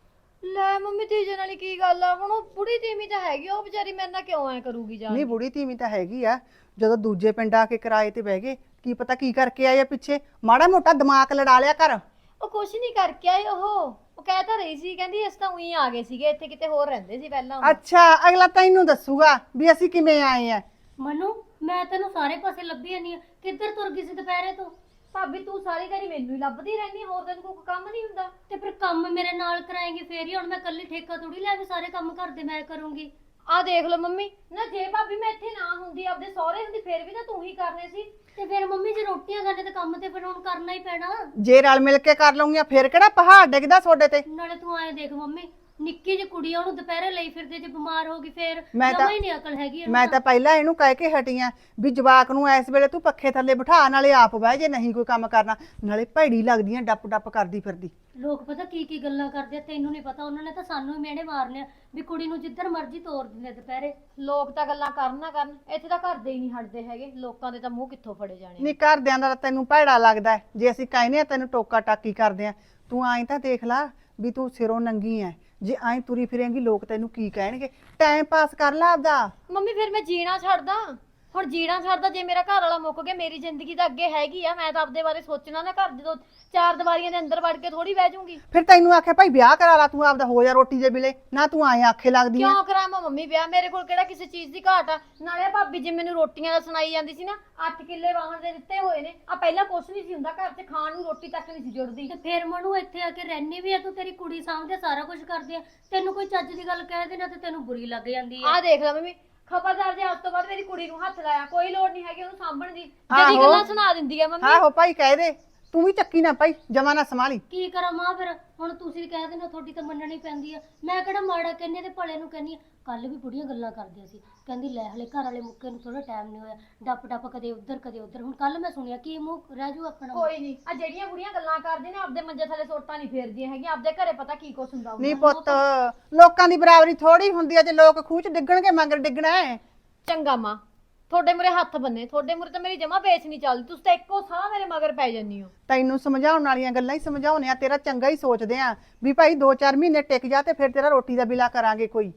Speaker 3: ਲੈ ਮੰਮੀ ਤੀਜੇ ਨਾਲ ਕੀ ਗੱਲ ਆ? ਹੁਣ ਉਹ ਬੁੜੀ ਤੀਵੀਂ ਤਾਂ ਹੈਗੀ, ਉਹ ਵਿਚਾਰੀ ਮੇਰੇ ਨਾਲ ਕਿਉਂ ਐ ਕਰੂਗੀ ਜਾਨ?
Speaker 5: ਨਹੀਂ ਬੁੜੀ ਧੀਵੀਂ ਤਾਂ ਹੈਗੀ ਆ। ਜਦੋਂ ਦੂਜੇ ਪਿੰਡ ਆ ਕੇ ਕਿਰਾਏ ਤੇ ਬਹਿ ਗਏ, ਕੀ ਪਤਾ ਕੀ ਕਰਕੇ ਆਏ ਆ ਪਿੱਛੇ। ਮਾੜਾ ਮੋਟਾ ਦਿਮਾਗ ਲੜਾ ਲਿਆ ਕਰ।
Speaker 3: ਉਹ ਕੁਛ ਨਹੀਂ ਕਰਕੇ ਆਏ। ਉਹ ਕਹਿ ਤਾਂ ਰਹੀ ਸੀ, ਕਹਿੰਦੀ ਅਸੀਂ ਤਾਂ ਉਹੀ ਆ ਗਏ ਸੀਗੇ, ਇੱਥੇ ਕਿਤੇ ਹੋਰ ਰਹਿੰਦੇ ਸੀ ਪਹਿਲਾਂ ਉਹ।
Speaker 5: ਅੱਛਾ, ਅਗਲਾ ਤੈਨੂੰ ਦੱਸੂਗਾ ਵੀ ਅਸੀਂ ਕਿਵੇਂ ਆਏ ਆ।
Speaker 6: ਮਨੂ ਮੈਂ ਤੈਨੂੰ ਸਾਰੇ ਪਾਸੇ ਲੱਭੀ ਜਾਂਦੀ ਆ, ਕਿੱਧਰ ਤੁਰ ਗਈ ਸੀ ਦੁਪਹਿਰੇ ਤੋਂ?
Speaker 3: ਭਾਬੀ ਤੂੰ ਸਾਰੀ ਦਿਹਾੜੀ ਮੈਨੂੰ ਹੀ ਲੱਭਦੀ ਰਹਿੰਦੀ, ਹੋਰ ਤੈਨੂੰ ਕੋਈ ਕੰਮ ਨਹੀਂ ਹੁੰਦਾ?
Speaker 6: ਤੇ ਫਿਰ ਕੰਮ ਮੇਰੇ ਨਾਲ ਕਰਾਏਂਗੀ ਫੇਰ ਹੀ। ਹੁਣ ਮੈਂ ਇਕੱਲੀ ਠੇਕਾ ਥੋੜੀ ਲੈ ਕੇ ਸਾਰੇ ਕੰਮ ਘਰ ਦੇ ਮੈਂ ਕਰੂੰਗੀ।
Speaker 3: ਆਹ ਦੇਖ ਲਓ ਮੰਮੀ, ਨਾ ਜੇ ਭਾਬੀ ਮੈਂ ਇੱਥੇ ਨਾ ਹੁੰਦੀ, ਆਪਦੇ ਸਹੁਰੇ ਹੁੰਦੀ, ਫੇਰ ਵੀ ਤਾਂ ਤੂੰ ਹੀ ਕਰਨੇ ਸੀ।
Speaker 6: ਤੇ ਫਿਰ ਮੰਮੀ ਜੇ ਰੋਟੀਆਂ ਖਾਣੇ ਤੇ ਕੰਮ ਤੇ ਫਿਰ ਹੁਣ ਕਰਨਾ ਹੀ ਪੈਣਾ।
Speaker 5: ਜੇ ਰਲ ਮਿਲ ਕੇ ਕਰ ਲਊਂਗੀਆਂ ਫੇਰ ਕਿਹੜਾ ਪਹਾੜ ਡਿੱਗਦਾ ਤੁਹਾਡੇ ਤੇ।
Speaker 6: ਨਾਲੇ ਤੂੰ ਆਏ ਦੇਖ ਮੰਮੀ, ਨਿੱਕੀ ਜਿਹੀ ਕੁੜੀ ਆ, ਉਹਨੂੰ ਦੁਪਹਿਰੇ ਲਈ ਫਿਰਦੇ, ਜੇ ਬਿਮਾਰ ਹੋ ਗਈ ਫੇਰ
Speaker 5: ਮੈਂ ਤਾਂ-
Speaker 6: ਜਮਾਂ ਹੀ ਨਹੀਂ ਅਕਲ ਹੈਗੀ ਇਹਨੂੰ
Speaker 5: ਮੈਂ ਤਾਂ ਪਹਿਲਾਂ ਇਹਨੂੰ ਕਹਿ ਕੇ ਹਟੀ ਆਂ ਵੀ ਜਵਾਕ ਨੂੰ ਇਸ ਵੇਲੇ ਤੂੰ ਪੱਖੇ ਥੱਲੇ ਬਿਠਾ, ਨਾਲੇ ਆਪ ਬਹਿ ਜੇ ਨਹੀਂ ਕੋਈ ਕੰਮ ਕਰਨਾ, ਨਾਲੇ ਭੈੜੀ ਲੱਗਦੀਆਂ ਡੱਪ ਡੱਪ ਕਰਦੀ ਫਿਰਦੀ।
Speaker 6: ਲੋਕ ਪਤਾ ਕੀ ਕੀ ਗੱਲਾਂ ਕਰਦੇ ਆ, ਤੈਨੂੰ ਨਹੀਂ ਪਤਾ। ਉਹਨਾਂ ਨੇ ਤਾਂ ਸਾਨੂੰ ਹੀ ਮਿਹਣੇ ਮਾਰਨੇ ਆ ਵੀ ਕੁੜੀ ਨੂੰ ਜਿੱਧਰ ਮਰਜ਼ੀ ਤੋਰ ਦਿੰਦੇ ਦੁਪਹਿਰੇ।
Speaker 3: ਲੋਕ ਤਾਂ ਗੱਲਾਂ ਕਰਨ ਨਾ ਕਰਨ, ਇੱਥੇ ਤਾਂ ਘਰ ਦੇ ਹੀ ਨਹੀਂ ਹਟਦੇ ਹੈਗੇ। ਲੋਕਾਂ ਦੇ ਤਾਂ ਮੂੰਹ ਕਿੱਥੋਂ ਫੜੇ ਜਾਣੇ।
Speaker 5: ਨਹੀਂ ਘਰਦਿਆਂ ਦਾ ਤਾਂ ਤੈਨੂੰ ਭੈੜਾ ਲੱਗਦਾ ਹੈ। ਜੇ ਅਸੀਂ ਕਹਿੰਦੇ ਆ ਤੈਨੂੰ ਟੋਕਾ ਟਾਕੀ ਕਰਦੇ ਆ, ਤੂੰ ਐਂ ਤਾਂ ਦੇਖ ਲਾ ਵੀ ਤੂੰ ਸਿਰੋਂ ਨੰਗੀ ਐ। ਜੇ ਐਂ ਤੁਰੀ ਫਿਰੇਂਗੀ ਲੋਕ ਤੈਨੂੰ ਕੀ ਕਹਿਣਗੇ। ਟਾਈਮ ਪਾਸ ਕਰ ਲਾ ਆਪਦਾ।
Speaker 3: ਮੰਮੀ ਫਿਰ ਮੈਂ ਜੀਣਾ ਛੱਡਦਾ? ਹੁਣ ਜੀਣਾ ਛੱਡਦਾ? ਜੇ ਮੇਰਾ ਘਰ ਵਾਲਾ ਮੁੱਕ ਗਿਆ, ਮੇਰੀ ਜ਼ਿੰਦਗੀ ਤਾਂ ਅੱਗੇ ਹੈਗੀ ਆ। ਮੈਂ ਤਾਂ ਆਪਦੇ ਬਾਰੇ ਸੋਚਣਾ ਨਾ। ਘਰ ਜਦੋਂ ਚਾਰ ਦੀਵਾਰੀਆਂ ਦੇ ਅੰਦਰ ਵੜ ਕੇ ਥੋੜੀ ਬਹਿ ਜਾਊਂਗੀ।
Speaker 5: ਫਿਰ ਤੈਨੂੰ ਆਖਿਆ ਭਾਈ ਵਿਆਹ ਕਰਾ ਲਾ, ਤੂੰ ਆਪਦਾ ਹੋ ਜਾ ਰੋਟੀ ਦੇ ਵੇਲੇ ਨਾ, ਤੂੰ ਐਂ ਆਖੇ ਲੱਗਦੀ ਆ।
Speaker 3: ਕਿਉਂ ਕਰਾਵਾਂ ਮੰਮੀ ਵਿਆਹ? ਮੇਰੇ ਕੋਲ ਕਿਹੜਾ ਕਿਸੇ ਚੀਜ਼ ਦੀ ਘਾਟ ਆ? ਨਾਲੇ ਭਾਬੀ ਜੀ ਮੈਨੂੰ ਰੋਟੀਆਂ ਦਾ ਸੁਣਾਈ ਜਾਂਦੀ ਸੀ ਨਾ, 8 ਕਿੱਲੇ ਵਾਹਣ ਦੇ ਦਿੱਤੇ ਹੋਏ ਨੇ। ਆ ਪਹਿਲਾਂ ਕੁਛ ਨਹੀਂ ਸੀ ਹੁੰਦਾ ਘਰ 'ਚ, ਖਾਣ ਨੂੰ ਰੋਟੀ ਤੱਕ ਨਹੀਂ ਸੀ ਜੁੜਦੀ।
Speaker 6: ਤੇ ਫਿਰ ਮਨੂ ਇੱਥੇ ਆ ਕੇ ਰਹਿਣੀ ਵੀ ਆ, ਤੂੰ ਤੇਰੀ ਕੁੜੀ ਸਾਹਮਣੇ ਸਾਰਾ ਕੁਝ ਕਰਦੀ ਆ, ਤੈਨੂੰ ਕੋਈ ਚੱਜ ਦੀ ਗੱਲ ਕਹਿ ਦੇਣਾ ਤੇ ਤੈਨੂੰ ਬੁਰੀ ਲੱਗ ਜਾਂਦੀ ਆ।
Speaker 3: ਆਹ ਦੇਖ ਲੈ ਮੰਮੀ, ਖਬਰਦਾਰ ਜੇ ਅੱਜ ਤੋਂ ਬਾਅਦ ਮੇਰੀ ਕੁੜੀ ਨੂੰ ਹੱਥ ਲਾਇਆ, ਕੋਈ ਲੋੜ ਨਹੀਂ ਹੈਗੀ ਉਹਨੂੰ ਸਾਂਭਣ ਦੀ। ਜਿਹੜੀ
Speaker 5: ਆਹੋ।
Speaker 3: ਗੱਲਾਂ ਸੁਣਾ ਦਿੰਦੀ ਆ ਮੰਮੀ।
Speaker 5: ਆਹੋ ਭਾਈ ਕਹਿ ਦੇ, ਤੂੰ ਵੀ ਚੱਕੀ ਨਾ ਭਾਈ, ਜਮਾ ਨਾ ਸੰਭਾਲੀ।
Speaker 6: ਕੀ ਕਰਾਂ ਮਾਂ? ਫਿਰ ਹੁਣ ਤੁਸੀਂ ਕਹਿ ਦੇਣਾ, ਤੁਹਾਡੀ ਤਾਂ ਮੰਨਣੀ ਪੈਂਦੀ ਆ। ਮੈਂ ਕਿਹੜਾ ਮਾੜਾ ਕਹਿੰਨੀ ਤੇ ਭਲੇ ਨੂੰ ਕਹਿੰਨੀ ਆ। ਕੱਲ ਵੀ ਬੁੜੀਆਂ ਗੱਲਾਂ ਕਰਦੀਆਂ ਸੀ, ਕਹਿੰਦੀ ਲੈ ਹਲੇ ਘਰ ਵਾਲੇ ਮੁੱਕੇ ਨੂੰ ਥੋੜਾ ਟਾਈਮ ਨਹੀਂ ਹੋਇਆ, ਡੱਪ ਡੱਪ ਕਦੇ ਉੱਧਰ ਕਦੇ ਉੱਧਰ। ਹੁਣ ਕੱਲ ਮੈਂ ਸੁਣਿਆ ਕੀ ਮੂੰਹ ਰਹਿ ਜੂ ਆਪਣਾ।
Speaker 3: ਕੋਈ ਨਹੀਂ, ਆ ਜਿਹੜੀਆਂ ਬੁੜੀਆਂ ਗੱਲਾਂ ਕਰਦੀਆਂ ਨੇ ਆਪਦੇ ਮੰਜੇ ਥੱਲੇ ਸੋਟਾਂ ਨਹੀਂ ਫੇਰਦੀਆਂ ਹੈਗੀਆਂ। ਆਪਦੇ ਘਰੇ ਪਤਾ ਕੀ ਕੁਛ ਹੁੰਦਾ ਹੋਊਗਾ।
Speaker 5: ਨਹੀਂ ਪੁੱਤ, ਲੋਕਾਂ ਦੀ ਬਰਾਬਰੀ ਥੋੜੀ ਹੁੰਦੀ ਆ। ਜੇ ਲੋਕ ਖੂਹ ਚ ਡਿੱਗਣਗੇ ਮਗਰ ਡਿੱਗਣਾ ਹੈ।
Speaker 3: ਚੰਗਾ ਮਾਂ, ਤੁਹਾਡੇ ਮੂਰੇ ਹੱਥ ਬੰਨੇ, ਤੁਹਾਡੇ ਮੂਰੇ ਤਾਂ ਮੇਰੀ ਜਮਾ ਵੇਚ ਨਹੀਂ ਚੱਲਦੀ। ਤੁਸੀਂ ਤਾਂ ਇੱਕੋ ਸਾਹ ਮੇਰੇ ਮਗਰ ਪੈ ਜੰਨੀ ਹੋ।
Speaker 5: ਤੈਨੂੰ ਸਮਝਾਉਣ ਵਾਲੀਆਂ ਗੱਲਾਂ ਹੀ ਸਮਝਾਉਣੇ ਆ, ਤੇਰਾ ਚੰਗਾ ਹੀ ਸੋਚਦੇ ਆ ਵੀ ਭਾਈ 2-4 ਮਹੀਨੇ ਟਿਕ ਜਾ ਤੇ ਫਿਰ ਤੇਰਾ ਰੋਟੀ ਦਾ ਬਿਲਾ ਕਰਾਂਗੇ ਕੋਈ।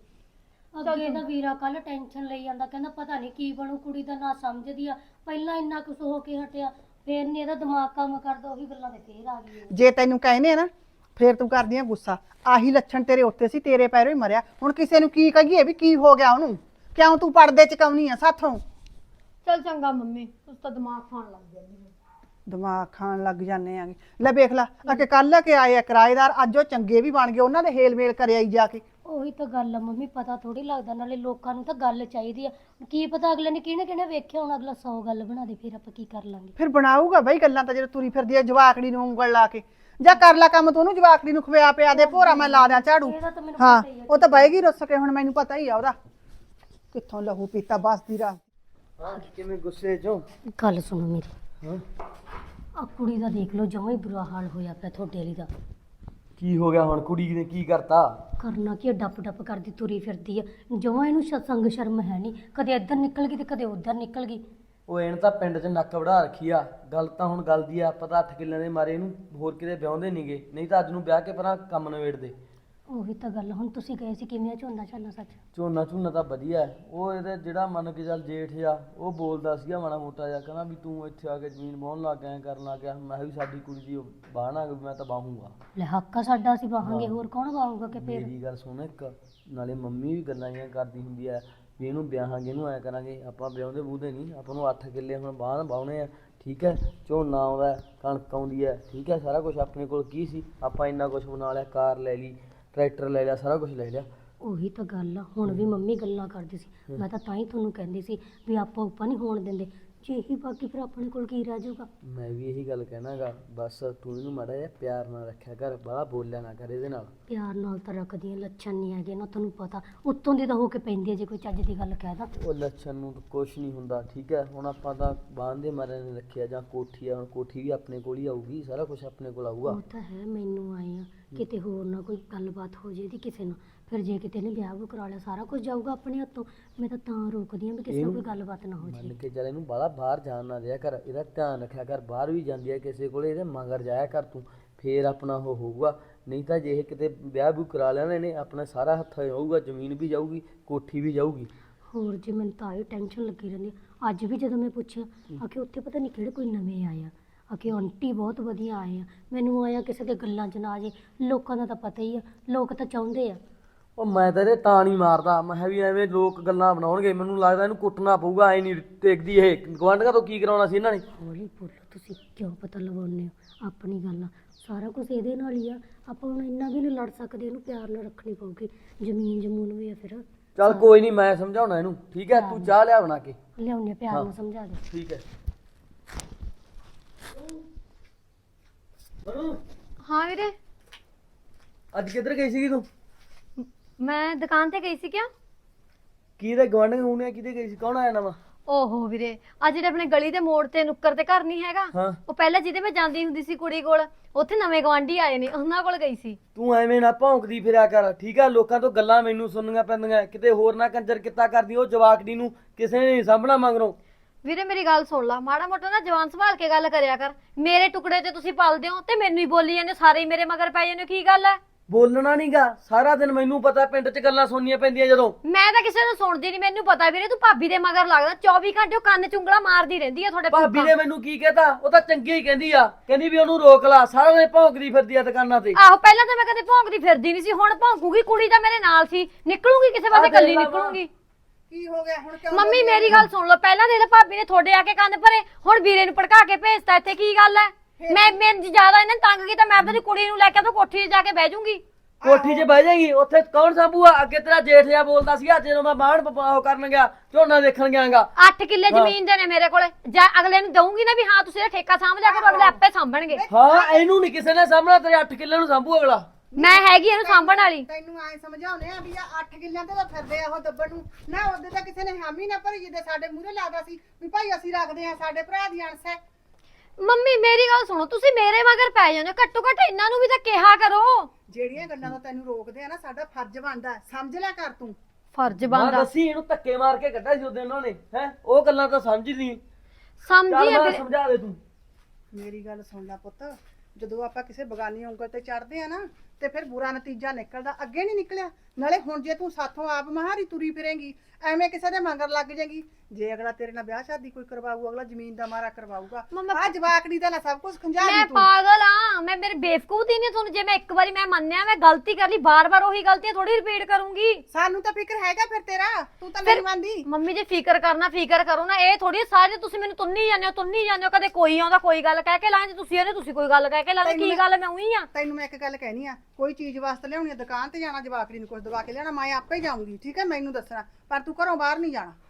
Speaker 6: ਅੱਗੇ ਦਾ ਵੀਰਾ ਕੱਲ ਟੈਨਸ਼ਨ ਲਈ ਜਾਂਦਾ, ਕਹਿੰਦਾ ਪਤਾ ਨਹੀਂ ਕੀ ਬਣੂ, ਕੁੜੀ ਦਾ ਨਾ ਸਮਝਦੀ ਆ। ਪਹਿਲਾਂ ਇੰਨਾ ਕੁਛ ਹੋ ਕੇ ਹਟਿਆ, ਫੇਰ ਨਹੀਂ ਇਹਦਾ ਦਿਮਾਗ ਕੰਮ ਕਰਦਾ, ਉਹੀ ਗੱਲਾਂ ਤੇ ਫੇਰ ਆ ਗਈ।
Speaker 5: ਜੇ ਤੈਨੂੰ ਕਹਿੰਦੇ ਆ ਨਾ ਫੇਰ ਤੂੰ ਕਰਦੀ ਆ ਗੁੱਸਾ। ਆਹੀ ਲੱਛਣ ਤੇਰੇ ਉੱਤੇ ਸੀ, ਤੇਰੇ ਪੈਰੋਂ ਹੀ ਮਰਿਆ। ਹੁਣ ਕਿਸੇ ਨੂੰ ਕੀ ਕਹੀਏ ਵੀ ਕੀ ਹੋ ਗਿਆ ਉਹਨੂੰ? ਕਿਉਂ ਤੂੰ ਪਰਦੇ ਚਕਾਉਣੀ ਆ ਸਾਥੋਂ?
Speaker 3: ਚਲ ਚੰਗਾ ਮੰਮੀ, ਤੁਸੀਂ ਤਾਂ ਦਿਮਾਗ ਖਾਣ ਲੱਗ ਜਾਂਦੀ ਹੋ।
Speaker 5: ਦਿਮਾਗ ਖਾਣ ਲੱਗ ਜਾਂਦੇ ਆਂਗੇ। ਲੈ ਵੇਖ ਲਾ, ਅਕੇ ਕੱਲ ਕੇ ਆਏ ਆ ਕਿਰਾਏਦਾਰ, ਅੱਜ ਉਹ ਚੰਗੇ ਵੀ ਬਣ ਗਏ, ਉਹਨਾਂ ਦੇ ਹੇਲ ਮੇਲ ਕਰਿਆ ਹੀ ਜਾ ਕੇ।
Speaker 6: ਉਹੀ ਤਾਂ ਗੱਲ ਆ ਮੰਮੀ, ਪਤਾ ਥੋੜੀ ਲੱਗਦਾ। ਨਾਲੇ ਲੋਕਾਂ ਨੂੰ ਤਾਂ ਗੱਲ ਚਾਹੀਦੀ ਆ, ਕੀ ਪਤਾ ਅਗਲੇ ਨੇ ਕਿਹਨੇ ਕਿਹਨੇ ਵੇਖਿਆ ਹੁਣ, ਅਗਲਾ 100 ਗੱਲ ਬਣਾ ਦੇ, ਫਿਰ ਆਪਾਂ ਕੀ ਕਰ ਲਾਂਗੇ।
Speaker 5: ਫਿਰ ਬਣਾਊਗਾ ਬਈ ਗੱਲਾਂ ਤਾਂ ਜਦੋਂ ਤੁਰੀ ਫਿਰਦੀ ਆ ਜਵਾਕੜੀ ਨੂੰ ਉਂਗਲ ਲਾ ਕੇ। ਜਾਂ ਕਰ ਲਾ ਕੰਮ ਤੂੰ, ਉਹਨੂੰ ਜਵਾਕੜੀ ਨੂੰ ਖਵਿਆ ਪਿਆ ਦੇ, ਭੋਰਾ ਮੈਂ ਲਾ ਦਿਆਂ ਝਾੜੂ।
Speaker 6: ਇਹਦਾ ਤਾਂ ਮੈਨੂੰ
Speaker 5: ਹਾਂ
Speaker 6: ਪਤਾ ਹੀ ਆ।
Speaker 5: ਉਹ ਤਾਂ ਬਹਿਗੀ ਰੁੱਸ ਕੇ, ਹੁਣ ਮੈਨੂੰ ਪਤਾ ਹੀ ਆ ਉਹਦਾ ਕਿੱਥੋਂ ਲਹੂ ਪੀਤਾ ਬਸਦੀ ਰਾਹ।
Speaker 7: ਹਾਂ ਕਿਵੇਂ ਗੁੱਸੇ ਚੋਂ?
Speaker 6: ਗੱਲ ਸੁਣੋ ਮੇਰੀ,
Speaker 7: ਹਾਂ
Speaker 6: ਆ ਕੁੜੀ ਦਾ ਦੇਖ ਲਓ, ਜਮਾਂ ਹੀ ਬੁਰਾ ਹਾਲ ਹੋਇਆ ਪਿਆ ਤੁਹਾਡੇ ਵਾਲੀ ਦਾ।
Speaker 7: ਕੀ ਹੋ ਗਿਆ ਹੁਣ? ਕੁੜੀ ਨੇ ਕੀ ਕਰਤਾ?
Speaker 6: ਕਰਨਾ ਕੀ ਆ, ਡੱਪ ਡੱਪ ਕਰਦੀ ਤੁਰੀ ਫਿਰਦੀ ਆ, ਜਮਾਂ ਇਹਨੂੰ ਸੰਗ ਸ਼ਰਮ ਹੈ ਨਹੀਂ। ਕਦੇ ਇੱਧਰ ਨਿਕਲ ਗਈ ਤੇ ਕਦੇ ਉੱਧਰ ਨਿਕਲ ਗਈ।
Speaker 7: ਉਹ ਇਹਨ ਤਾਂ ਪਿੰਡ 'ਚ ਨੱਕ ਵੜਾ ਰੱਖੀ ਆ। ਗੱਲ ਤਾਂ ਹੁਣ ਗੱਲ ਦੀ ਆ, ਪਤਾ 8 ਕਿੱਲਿਆਂ ਦੇ ਮਾਰੇ ਇਹਨੂੰ ਹੋਰ ਕਿਤੇ ਵਿਆਹੁੰਦੇ ਨਹੀਂਗੇ, ਨਹੀਂ ਤਾਂ ਅੱਜ ਨੂੰ ਵਿਆਹ ਕੇ ਪਰਾਂ ਕੰਮ ਨਿਬੇੜਦੇ।
Speaker 6: ਉਹੀ ਤਾਂ ਗੱਲ। ਹੁਣ ਤੁਸੀਂ ਗਏ ਸੀ ਕਿਵੇਂ ਆ ਝੋਨਾ ਝਾਨਾ? ਸੱਚ
Speaker 7: ਝੋਨਾ ਝੂਨਾ ਤਾਂ ਵਧੀਆ ਹੈ। ਉਹ ਇਹਦੇ ਜਿਹੜਾ ਮੰਨ ਕੇ ਚੱਲ ਜੇਠ ਆ, ਉਹ ਬੋਲਦਾ ਸੀਗਾ ਮਾੜਾ ਮੋਟਾ ਜਿਹਾ, ਕਹਿੰਦਾ ਵੀ ਤੂੰ ਇੱਥੇ ਆ ਕੇ ਜ਼ਮੀਨ ਵਾਹੁਣ ਲੱਗ ਗਿਆ, ਐਂ ਕਰਨ ਲੱਗ ਗਿਆ। ਮੈਂ ਕਿਹਾ ਵੀ ਸਾਡੀ ਕੁੜੀ ਦੀ ਬਾਹਣਾ, ਮੈਂ ਤਾਂ ਬਾਹੂੰਗਾ।
Speaker 6: ਲੈ ਹੱਕ ਆ ਸਾਡਾ, ਅਸੀਂ ਵਾਹਾਂਗੇ, ਹੋਰ ਕੌਣ ਵਾਹੂਗਾ? ਕਿ ਫੇਰ
Speaker 7: ਮੇਰੀ ਗੱਲ ਸੁਣ ਇੱਕ, ਨਾਲੇ ਮੰਮੀ ਵੀ ਗੱਲਾਂ ਜਿਹੀਆਂ ਕਰਦੀ ਹੁੰਦੀ ਆ ਵੀ ਇਹਨੂੰ ਵਿਆਹਾਂਗੇ, ਇਹਨੂੰ ਐਂ ਕਰਾਂਗੇ। ਆਪਾਂ ਵਿਆਹੁੰਦੇ ਬੂਹਦੇ ਨਹੀਂ, ਆਪਾਂ ਨੂੰ 8 ਕਿੱਲੇ ਹੁਣ ਬਾਹਣ ਵਾਹੁਣੇ ਆ, ਠੀਕ ਹੈ। ਝੋਨਾ ਆਉਂਦਾ, ਕਣਕ ਆਉਂਦੀ ਹੈ, ਠੀਕ ਹੈ। ਸਾਰਾ ਕੁਝ ਆਪਣੇ ਕੋਲ ਕੀ ਸੀ, ਆਪਾਂ ਇੰਨਾ ਕੁਝ ਬਣਾ ਲਿਆ, ਕਾਰ ਲੈ ਲਈ, ਟਰੈਕਟਰ ਲੈ ਲਿਆ, ਸਾਰਾ ਕੁਝ ਲੈ ਲਿਆ।
Speaker 6: ਉਹੀ ਤਾਂ ਗੱਲ ਆ। ਹੁਣ ਵੀ ਮੰਮੀ ਗੱਲਾਂ ਕਰਦੀ ਸੀ, ਮੈਂ ਤਾਂ ਹੀ ਤੁਹਾਨੂੰ ਕਹਿੰਦੀ ਸੀ ਵੀ ਆਪਾਂ ਉੱਪਰ ਨਹੀਂ ਹੋਣ ਦਿੰਦੇ। ਜੇ ਇਹੀ ਬਾਕੀ ਫਿਰ ਆਪਣੇ ਕੋਲ ਕੀ ਰਹਿ ਜਾਊਗਾ?
Speaker 7: ਮੈਂ ਵੀ ਇਹੀ ਗੱਲ ਕਹਿਣਾਗਾ, ਬਸ ਤੂੰ ਇਹਨੂੰ ਮਾੜਾ ਜਿਹਾ ਪਿਆਰ ਨਾਲ ਰੱਖਿਆ ਕਰ, ਬਾਹਲਾ ਬੋਲਿਆ ਨਾ ਕਰ ਇਹਦੇ ਨਾਲ।
Speaker 6: ਪਿਆਰ ਨਾਲ ਤਾਂ ਰੱਖਦੀਆਂ, ਲੱਛਣ ਨਹੀਂ ਹੈਗੇ ਨਾ, ਤੁਹਾਨੂੰ ਪਤਾ। ਉੱਤੋਂ ਦੀ ਤਾਂ ਹੋ ਕੇ ਪੈਂਦੀ ਹੈ ਜੇ ਕੋਈ ਚੱਜ ਦੀ ਗੱਲ ਕਹਿ ਦਾਂ।
Speaker 7: ਉਹ ਲੱਛਣ ਨੂੰ ਤਾਂ ਕੁਛ ਨਹੀਂ ਹੁੰਦਾ, ਠੀਕ ਹੈ। ਹੁਣ ਆਪਾਂ ਤਾਂ ਬਾਂਦੇ ਮਾਰੇ ਨੇ ਰੱਖਿਆ, ਜਾਂ ਕੋਠੀ ਆ, ਹੁਣ ਕੋਠੀ ਵੀ ਆਪਣੇ ਕੋਲ ਹੀ ਆਊਗੀ, ਸਾਰਾ ਕੁਝ ਆਪਣੇ ਕੋਲ ਆਊਗਾ।
Speaker 6: ਉਹ ਤਾਂ ਹੈ, ਮੈਨੂੰ ਆਏ ਆ ਕਿਤੇ ਹੋਰ ਨਾ ਕੋਈ ਗੱਲਬਾਤ ਹੋ ਜੇ ਇਹਦੀ ਕਿਸੇ ਨਾਲ, ਫਿਰ ਜੇ ਕਿਤੇ ਨੇ ਵਿਆਹ ਵੀ ਕਰਾ ਲਿਆ ਸਾਰਾ ਕੁਝ ਜਾਊਗਾ ਆਪਣੇ ਹੱਥੋਂ। ਮੈਂ ਤਾਂ ਰੋਕਦੀ ਆ ਵੀ ਕਿਸੇ ਨਾਲ ਕੋਈ ਗੱਲਬਾਤ ਨਾ ਹੋ
Speaker 7: ਮੰਨ
Speaker 6: ਜੇ।
Speaker 7: ਕੇ ਚੱਲ, ਇਹਨੂੰ ਬਾਹਲਾ ਬਾਹਰ ਜਾਣ ਨਾ ਦਿਆ ਕਰ, ਇਹਦਾ ਧਿਆਨ ਰੱਖਿਆ ਕਰ। ਬਾਹਰ ਵੀ ਜਾਂਦੀ ਹੈ ਕਿਸੇ ਕੋਲੇ, ਇਹਦੇ ਮਗਰ ਜਾਇਆ ਕਰ ਤੂੰ, ਫੇਰ ਆਪਣਾ ਉਹ ਹੋਊਗਾ। ਨਹੀਂ ਤਾਂ ਜੇ ਇਹ ਕਿਤੇ ਵਿਆਹ ਵੀ ਕਰਾ ਲਿਆ ਨਾ ਇਹਨੇ, ਆਪਣਾ ਸਾਰਾ ਹੱਥ ਹੋਊਗਾ, ਜ਼ਮੀਨ ਵੀ ਜਾਊਗੀ, ਕੋਠੀ ਵੀ ਜਾਊਗੀ।
Speaker 6: ਹੋਰ ਜੇ ਮੈਨੂੰ ਤਾਂ ਇਹ ਟੈਨਸ਼ਨ ਲੱਗੀ ਰਹਿੰਦੀ ਆ। ਅੱਜ ਵੀ ਜਦੋਂ ਮੈਂ ਪੁੱਛਿਆ ਆਖੇ ਉੱਥੇ ਪਤਾ ਨਹੀਂ ਕਿਹੜੇ ਕੋਈ ਨਵੇਂ ਆਏ ਆ, ਆਖੇ ਆਂਟੀ ਬਹੁਤ ਵਧੀਆ ਆਏ ਆ। ਮੈਨੂੰ ਆਇਆ ਕਿਸੇ ਦੇ ਗੱਲਾਂ 'ਚ ਨਾ ਆ ਜੇ, ਲੋਕਾਂ ਦਾ ਤਾਂ ਪਤਾ ਹੀ ਆ, ਲੋਕ ਤਾਂ ਚਾਹੁੰਦੇ ਆ।
Speaker 7: ਉਹ ਮੈਂ ਤਾਂ ਇਹਦੇ ਤਾਂ ਨਹੀਂ ਮਾਰਦਾ, ਮੈਂ ਕਿਹਾ ਵੀ ਐਵੇਂ ਲੋਕ ਗੱਲਾਂ ਬਣਾਉਣਗੇ, ਮੈਨੂੰ ਲੱਗਦਾ ਇਹਨੂੰ ਕੁੱਟਣਾ ਪਊਗਾ। ਐ ਨਹੀਂ ਟੇਕਦੀ ਇਹ, ਗੁਆਂਢੀਆਂ ਤੋਂ ਕੀ ਕਰਾਉਣਾ ਸੀ ਇਹਨਾਂ ਨੇ।
Speaker 6: ਹੌਲੀ ਬੋਲੋ, ਤੁਸੀਂ ਕਿਉਂ ਪਤਾ ਲਵਾਉਂਦੇ ਹੋ ਆਪਣੀ ਗੱਲ ਆ। ਸਾਰਾ ਕੁਝ ਇਹਦੇ ਨਾਲ ਹੀ ਆ, ਆਪਾਂ ਹੁਣ ਇੰਨਾ ਵੀ ਨਹੀਂ ਲੜ ਸਕਦੇ, ਇਹਨੂੰ ਪਿਆਰ ਨਾਲ ਰੱਖਣੀ ਪਊਗੀ। ਜ਼ਮੀਨ ਜਮੂਨ ਵੀ ਆ ਫਿਰ।
Speaker 7: ਚੱਲ ਕੋਈ ਨਹੀਂ, ਮੈਂ ਸਮਝਾਉਣਾ ਇਹਨੂੰ, ਠੀਕ ਹੈ। ਤੂੰ ਚਾਹ ਲਿਆ ਬਣਾ ਕੇ।
Speaker 6: ਲਿਆਉਂਦੇ ਪਿਆਰ ਨਾਲ ਸਮਝਾ ਦੇ।
Speaker 7: ਠੀਕ ਹੈ।
Speaker 3: ਹਾਂ ਵੀਰੇ,
Speaker 7: ਅੱਜ ਕਿੱਧਰ ਗਈ ਸੀਗੀ ਤੂੰ?
Speaker 3: ਮੈਂ ਦੁਕਾਨ ਤੇ ਗਈ ਸੀ ਕਿਆ?
Speaker 7: ਕਿਹਦੇ ਗੁਆਂਢੀ ਹੋਣੇ, ਕਿਹਦੇ ਗਈ ਸੀ, ਕੌਣ ਆਇਆ ਨਵਾਂ?
Speaker 3: ਓਹੋ ਵੀਰੇ, ਅੱਜ ਜਿਹੜੇ ਆਪਣੇ ਗਲੀ ਦੇ ਮੋੜ ਤੇ ਨੁੱਕਰ ਤੇ ਘਰ ਨਹੀਂ ਹੈਗਾ,
Speaker 7: ਹਾਂ।
Speaker 3: ਉਹ ਪਹਿਲਾਂ ਜਿਹਦੇ ਮੈਂ ਜਾਂਦੀ ਹੁੰਦੀ ਸੀ ਕੁੜੀ ਕੋਲ, ਉੱਥੇ ਨਵੇਂ ਗਵਾਂਢੀ ਆਏ ਨੇ, ਉਹਨਾਂ ਕੋਲ ਗਈ ਸੀ।
Speaker 7: ਤੂੰ ਐਵੇਂ ਨਾ ਭੌਂਕਦੀ ਫਿਰਿਆ ਕਰ, ਠੀਕ ਆ। ਲੋਕਾਂ ਤੋਂ ਗੱਲਾਂ ਮੈਨੂੰ ਸੁਣਨੀਆਂ ਪੈਂਦੀਆਂ, ਕਿਤੇ ਹੋਰ ਨਾ ਕੰਜਰ ਕਿੱਤਾ ਕਰਦੀ। ਉਹ ਜਵਾਕੜੀ ਨੂੰ ਕਿਸੇ ਨੇ ਨਹੀਂ ਸਾਂਭਣਾ ਮਗਰੋਂ।
Speaker 3: ਵੀਰੇ ਮੇਰੀ ਗੱਲ ਸੁਣ ਲਾ, ਮਾੜਾ ਮੋਟਾ ਨਾ ਜਵਾਨ ਸੰਭਾਲ ਕੇ ਗੱਲ ਕਰਿਆ ਕਰ। ਮੇਰੇ ਟੁਕੜੇ ਤੇ ਤੁਸੀਂ ਪਲਦੇ ਹੋ ਤੇ ਮੈਨੂੰ ਹੀ ਬੋਲੀ ਜਾਂਦੇ, ਸਾਰੇ ਹੀ ਮੇਰੇ ਮਗਰ ਪੈ ਜਾਂਦੇ ਹੋ, ਕੀ ਗੱਲ ਹੈ?
Speaker 7: ਬੋਲਣਾ ਨਹੀਂਗਾ ਸਾਰਾ ਦਿਨ, ਮੈਨੂੰ ਪਤਾ ਪਿੰਡ 'ਚ ਗੱਲਾਂ ਸੁਣਨੀਆਂ ਪੈਂਦੀਆਂ ਜਦੋਂ।
Speaker 3: ਮੈਂ ਤਾਂ ਕਿਸੇ ਨੂੰ ਸੁਣਦੀ ਨਹੀਂ, ਮੈਨੂੰ ਪਤਾ ਵੀਰੇ ਤੂੰ ਭਾਬੀ ਦੇ ਮਗਰ ਲੱਗਦਾ 24 ਘੰਟੇ, ਉਹ ਕੰਨ ਚੁੰਗਲਾ ਮਾਰਦੀ ਰਹਿੰਦੀ ਆ ਤੁਹਾਡੇ
Speaker 7: ਭਾਬੀ ਨੇ ਮੈਨੂੰ ਕੀ ਕਹਿਤਾ? ਉਹ ਤਾਂ ਚੰਗੀ ਹੀ ਕਹਿੰਦੀ ਆ, ਕਹਿੰਦੀ ਵੀ ਉਹਨੂੰ ਰੋਕ ਲਾ, ਸਾਰਾ ਦਿਨ ਭੌਂਕਦੀ ਫਿਰਦੀ ਆ ਦੁਕਾਨਾਂ ਤੇ।
Speaker 3: ਆਹੋ, ਪਹਿਲਾਂ ਤਾਂ ਮੈਂ ਕਦੇ ਭੌਂਕਦੀ ਫਿਰਦੀ ਨਹੀਂ ਸੀ, ਹੁਣ ਭੌਂਕੂਗੀ। ਕੁੜੀ ਤਾਂ ਮੇਰੇ ਨਾਲ ਸੀ, ਨਿਕਲੂਗੀ ਕਿਸੇ ਪਾਸੇ, ਇਕੱਲੀ ਨਿਕਲੂਗੀ।
Speaker 5: ਕੀ ਹੋ ਗਿਆ ਹੁਣ? ਕਿਉਂ
Speaker 3: ਮੰਮੀ ਮੇਰੀ ਗੱਲ ਸੁਣ ਲਓ, ਪਹਿਲਾਂ ਦੇ ਭਾਬੀ ਨੇ ਤੁਹਾਡੇ ਆ ਕੇ ਕੰਨ ਭਰੇ, ਹੁਣ ਵੀਰੇ ਨੂੰ ਭੜਕਾ ਕੇ ਭੇਜਤਾ ਇੱਥੇ, ਕੀ ਗੱਲ ਹੈ? ਮੈਂ ਜ਼ਿਆਦਾ ਇਹਨਾਂ ਤੰਗ ਕੀਤਾ, ਮੈਂ ਆਪਣੀ ਕੁੜੀ ਨੂੰ ਲੈ ਕੇ ਤਾਂ ਕੋਠੀ 'ਚ ਜਾ ਕੇ ਬਹਿ ਜਾਊਂਗੀ।
Speaker 7: ਕੋਠੀ 'ਚ ਬਹਿ ਜਾਏਗੀ, ਉੱਥੇ ਕੌਣ ਸਾਂਭੂਗਾ? ਅੱਗੇ ਤੇਰਾ ਜੇਠ ਜਿਹਾ ਬੋਲਦਾ ਸੀਗਾ, ਜਦੋਂ ਮੈਂ ਬਾਹਣ ਉਹ ਕਰਨ ਗਿਆ, ਝੋਨਾ ਦੇਖਣ ਗਿਆਗਾ।
Speaker 3: 8 ਕਿੱਲੇ ਜ਼ਮੀਨ ਦੇ ਨੇ ਮੇਰੇ ਕੋਲੇ, ਜਾਂ ਅਗਲੇ ਨੂੰ ਦਊਂਗੀ ਨਾ ਵੀ ਹਾਂ ਤੁਸੀਂ ਇਹ ਠੇਕਾ ਸਾਂਭ ਲਿਆ ਕਰੋ, ਅਗਲੇ ਆਪੇ ਸਾਂਭਣਗੇ।
Speaker 7: ਹਾਂ, ਇਹਨੂੰ ਨਹੀਂ ਕਿਸੇ ਨੇ ਸਾਂਭਣਾ, ਤੇਰੇ 8 ਕਿੱਲੇ ਨੂੰ ਸਾਂਭੂ ਅਗਲਾ।
Speaker 3: ਮੈਂ ਹੈਗੀ ਇਹਨੂੰ ਸਾਂਭਣ ਵਾਲੀ।
Speaker 5: ਤੈਨੂੰ ਐ ਸਮਝਾਉਨੇ ਆ ਵੀ ਆ 8 ਕਿੱਲਿਆਂ ਤੇ ਤਾਂ ਫਿਰਦੇ ਆ ਉਹ ਦੱਬਣ ਨੂੰ ਨਾ। ਉਹਦੇ ਤਾਂ ਕਿਸੇ ਨੇ ਹਾਮੀ ਨਾ ਭਰੀ, ਜਿੱਦੇ ਸਾਡੇ ਮੂਹਰੇ ਲਾਦਾ ਸੀ ਵੀ ਭਾਈ ਅਸੀਂ ਰੱਖਦੇ ਆ, ਸਾਡੇ ਭਰਾ ਦੀ ਅੰਸ਼ ਹੈ।
Speaker 3: ਮੰਮੀ ਮੇਰੀ ਗੱਲ ਸੁਣੋ, ਤੁਸੀਂ ਮੇਰੇ ਮਗਰ ਪੈ ਜਾਂਦੇ ਹੋ, ਘੱਟੋ ਘੱਟ ਇਹਨਾਂ ਨੂੰ ਵੀ ਤਾਂ ਕਿਹਾ ਕਰੋ।
Speaker 5: ਜਿਹੜੀਆਂ ਗੱਲਾਂ ਤੋਂ ਤੈਨੂੰ ਰੋਕਦੇ ਆ ਨਾ, ਸਾਡਾ ਫਰਜ਼ ਬਣਦਾ, ਸਮਝ ਲਿਆ ਕਰ ਤੂੰ।
Speaker 3: ਫਰਜ਼
Speaker 7: ਮੈਂ
Speaker 3: ਬਣਦਾ
Speaker 7: ਦੱਸੀ ਇਹਨੂੰ ਧੱਕੇ ਮਾਰ ਕੇ ਕੱਢਿਆ ਸੀ ਉਹਦੇ ਉਹਨਾਂ ਨੇ, ਹੈ ਉਹ ਗੱਲਾਂ ਤਾਂ ਸਮਝਦੀ ਨਹੀਂ।
Speaker 3: ਸਮਝੀ
Speaker 7: ਚੱਲ
Speaker 3: ਆ
Speaker 7: ਮੈਂ
Speaker 3: ਵੀਰੇ।
Speaker 7: ਸਮਝਾ ਦੇ ਤੂੰ।
Speaker 5: ਮੇਰੀ ਗੱਲ ਸੁਣ ਲੈ ਪੁੱਤ, ਜਦੋਂ ਆਪਾਂ ਕਿਸੇ ਬਗਾਨੀ ਉਂਗਲ ਤੇ ਚੜਦੇ ਆ ਨਾ, ਤੇ ਫਿਰ ਬੁਰਾ ਨਤੀਜਾ ਨਿਕਲਦਾ। ਅੱਗੇ ਨਹੀਂ ਨਿਕਲਿਆ, ਨਾਲੇ ਹੁਣ ਜੇ ਤੂੰ ਸਾਥੋਂ ਆਪ ਮਹਾਰੀ ਤੁਰੀ ਫਿਰੇਂਗੀ, ਐਵੇਂ ਕਿਸੇ ਦੇ ਮਗਰ ਲੱਗ ਜਾਏਗੀ। ਜੇ ਅਗਲਾ ਤੇਰੇ ਨਾਲ ਵਿਆਹ ਸ਼ਾਦੀ ਕੋਈ ਕਰਵਾਊ, ਅਗਲਾ ਜ਼ਮੀਨ ਦਾ ਮਾਰਾ ਕਰਵਾਊਗਾ। ਆ ਜਵਾਕੜੀ ਦਾ ਨਾ ਸਭ ਕੁਝ ਖੰਜਾ
Speaker 3: ਮੈਂ
Speaker 5: ਲਈ ਤੂੰ।
Speaker 3: ਪਾਗਲ ਆ, ਮੈਂ ਮੇਰੇ ਬੇਵਕੂਫ ਹੀ ਨਹੀਂ ਤੁਹਾਨੂੰ। ਜੇ ਮੈਂ ਇੱਕ ਵਾਰੀ ਮੈਂ ਮੰਨਿਆ ਮੈਂ ਗਲਤੀ ਕਰ ਲਈ, ਬਾਰ-ਬਾਰ ਉਹੀ ਗਲਤੀਆਂ ਥੋੜੀ ਰਿਪੀਟ ਕਰੂੰਗੀ।
Speaker 5: ਸਾਨੂੰ ਤਾਂ ਫਿਕਰ ਹੈਗਾ ਫਿਰ ਤੇਰਾ, ਤੂੰ ਤਾਂ ਨਹੀਂ ਮੰਨਦੀ।
Speaker 3: ਮੰਮੀ ਜੇ ਫਿਕਰ ਕਰਨਾ ਫਿਕਰ ਕਰੋ ਨਾ, ਇਹ ਥੋੜੀ ਸਾਰੇ ਤੁਸੀਂ ਮੈਨੂੰ ਤੁੰਨੀ ਜਾਂਦੇ ਹੋ। ਕਦੇ ਕੋਈ ਆਉਂਦਾ ਕੋਈ ਗੱਲ ਕਹਿ ਕੇ ਲਾਂਦੇ, ਤੁਸੀਂ ਕੋਈ ਗੱਲ ਕਹਿ ਕੇ ਲਾਂਦੇ, ਕੀ ਗੱਲ ਮੈਂ ਉਹੀ ਆ।
Speaker 5: ਤੈਨੂੰ ਮੈਂ ਇੱਕ ਗੱਲ ਕਹਿਣੀ ਆ, ਕੋਈ ਚੀਜ਼ ਵਾਸਤੇ ਲਿਆਉਣੀ ਆ, ਦੁਕਾਨ ਤੇ ਜਾਣਾ, ਜਵਾਕੜੀ ਨੂੰ ਕੁਝ ਦਵਾ ਕੇ ਲਿਆਉਣਾ, ਮੈਂ ਆਪੇ ਜਾਊਂਗੀ, ਠੀਕ ਹੈ? ਮੈਨੂੰ ਦੱਸਣਾ, ਪਰ ਤੂੰ ਘਰੋਂ ਬਾਹਰ ਨਹੀਂ ਜਾਣਾ।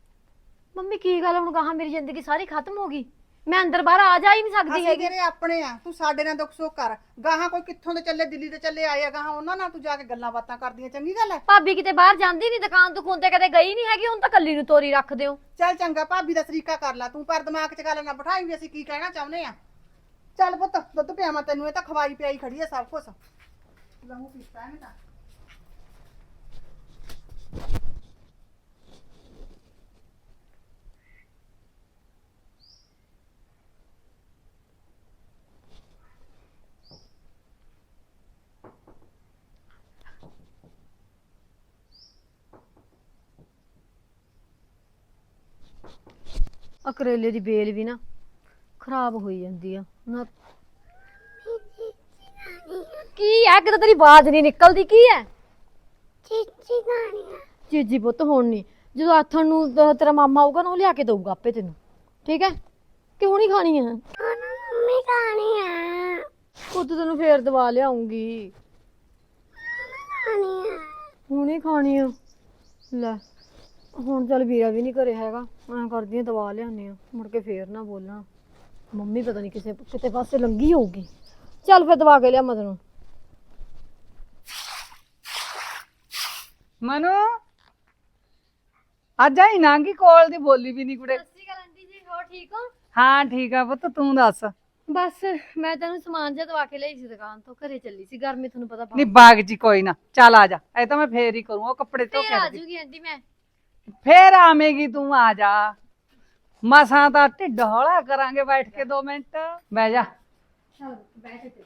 Speaker 3: ਮੰਮੀ ਕੀ ਗੱਲ, ਹੁਣ ਗਾਹਾਂ ਮੇਰੀ ਜ਼ਿੰਦਗੀ ਸਾਰੀ ਖਤਮ ਹੋ ਗਈ, ਮੈਂ ਅੰਦਰ ਬਾਹਰ ਆ ਜਾ ਹੀ ਨਹੀਂ ਸਕਦੀ
Speaker 5: ਅਸੀਂ
Speaker 3: ਹੈਗੀ।
Speaker 5: ਤੇਰੇ ਆਪਣੇ ਆ, ਤੂੰ ਸਾਡੇ ਨਾਲ ਦੁੱਖ ਸੁੱਖ ਕਰ। ਗਾਹਾਂ ਕੋਈ ਕਿੱਥੋਂ ਦੇ ਚੱਲੇ, ਦਿੱਲੀ ਦੇ ਚੱਲੇ ਆਏ ਆ, ਗਾਹਾਂ ਉਹਨਾਂ ਨਾਲ ਤੂੰ ਜਾ ਕੇ ਗੱਲਾਂ ਬਾਤਾਂ ਕਰਦੀਆਂ, ਚੰਗੀ ਗੱਲ ਹੈ?
Speaker 3: ਭਾਬੀ ਕਿਤੇ ਬਾਹਰ ਜਾਂਦੀ ਨਹੀਂ, ਦੁਕਾਨ ਦੁਕਾਨ ਤੇ ਕਦੇ ਗਈ ਨਹੀਂ ਹੈਗੀ, ਹੁਣ ਤਾਂ ਕੱਲੀ ਨੂੰ ਤੋਰੀ ਰੱਖਦੇ ਹੋ।
Speaker 5: ਚੱਲ ਚੰਗਾ, ਭਾਬੀ ਦਾ ਤਰੀਕਾ ਕਰ ਲੈ ਤੂੰ, ਪਰ ਦਿਮਾਗ 'ਚ ਗੱਲ ਨਾ ਬਿਠਾਈ ਵੀ ਅਸੀਂ ਕੀ ਕਹਿਣਾ ਚਾਹੁੰਦੇ ਆ। ਚੱਲ ਪੁੱਤ, ਦੁੱਧ ਪਿਆਵਾਂ ਤੈਨੂੰ, ਇਹ ਤਾਂ ਖਵਾਈ ਪਿਆਈ ਖੜੀ ਆ ਸਭ ਕੁਝ। ਲਹੂ ਪੀਤਾ ਇਹਨੇ ਤਾਂ।
Speaker 3: ਆ ਕਰੇਲੇ ਦੀ ਬੇਲ ਵੀ ਨਾ ਖਰਾਬ ਹੋਈ ਜਾਂਦੀ ਆ ਨਾ। ਕੀ ਹੈ, ਕਿਤੇ ਤੇਰੀ ਆਵਾਜ਼ ਨਹੀਂ ਨਿਕਲਦੀ, ਕੀ ਹੈ?
Speaker 6: ਚੀਚੀ ਖਾਣੀ ਆ।
Speaker 3: ਚੀਜੀ ਪੁੱਤ ਹੁਣ ਨਹੀਂ, ਜਦੋਂ ਆਥਣ ਨੂੰ ਤੇਰਾ ਮਾਮਾ ਆਊਗਾ ਨਾ, ਉਹ ਲਿਆ ਕੇ ਦਊਗਾ ਆਪੇ ਤੈਨੂੰ, ਠੀਕ ਹੈ? ਕਿ ਹੁਣੀ ਖਾਣੀ ਆ?
Speaker 6: ਮੰਮੀ ਖਾਣੀ ਆ।
Speaker 3: ਪੁੱਤ ਤੈਨੂੰ ਫੇਰ ਦਵਾ ਲਿਆਉਂਗੀ।
Speaker 6: ਖਾਣੀ ਆ।
Speaker 3: ਹੁਣੀ ਖਾਣੀ ਆ? ਲੈ ਹੁਣ ਚੱਲ ਵੀਰਾ ਵੀ ਨਹੀਂ ਘਰੇ ਹੈਗਾ, ਮੈਂ ਕਰਦੀ ਆ ਦਵਾ ਲਿਆਉਂਦੀ ਆ, ਮੁੜ ਕੇ ਫੇਰ ਨਾ ਬੋਲਣਾ। ਮੰਮੀ ਪਤਾ ਨਹੀਂ ਕਿਤੇ ਪਾਸੇ ਲੰਗੀ ਹੋਊਗੀ। ਚੱਲ ਫਿਰ ਦਵਾ ਕੇ ਲਿਆ ਮੈਂ ਤੈਨੂੰ।
Speaker 2: ਮਨੂ ਅੱਜ ਆਈ ਨਾਂਗੀ ਕੋਲ ਦੀ ਬੋਲੀ ਵੀ ਨਹੀਂ ਕੁੜੇ।
Speaker 3: ਸਤਿ ਸ਼੍ਰੀ ਅਕਾਲ ਆਂਟੀ ਜੀ, ਹੋਰ ਠੀਕ ਹੋ?
Speaker 2: ਹਾਂ ਠੀਕ ਆ ਪੁੱਤ, ਤੂੰ ਦੱਸ
Speaker 3: ਬਸ ਮੈਂ ਤੈਨੂੰ ਸਮਾਨ ਜਿਹਾ ਦਵਾ ਕੇ ਲਈ ਸੀ ਦੁਕਾਨ ਤੋਂ, ਘਰੇ ਚੱਲੀ ਸੀ, ਗਰਮੀ ਤੁਹਾਨੂੰ ਪਤਾ
Speaker 2: ਨਹੀਂ ਬਾਗ ਜੀ ਕੋਈ ਨਾ, ਚੱਲ ਆ ਜਾ, ਇਹ ਤਾਂ ਮੈਂ ਫੇਰ ਹੀ ਕਰੂੰ, ਉਹ ਕੱਪੜੇ ਧੋ
Speaker 3: ਫੇਰ
Speaker 2: ਕੇ
Speaker 3: ਆ
Speaker 2: ਰੱਖਦੀ।
Speaker 3: ਜੂਗੀ ਆਂਟੀ ਮੈਂ।
Speaker 2: ਫੇਰ ਆਵੇਂਗੀ ਤੂੰ, ਆ ਜਾ, ਮਸਾਂ ਤਾਂ ਢਿੱਡ ਹੌਲਾ ਕਰਾਂਗੇ ਬੈਠ ਕੇ 2 ਮਿੰਟ, ਬਹਿ ਜਾ।
Speaker 3: ਚਲ ਬੈਠ ਤੇ।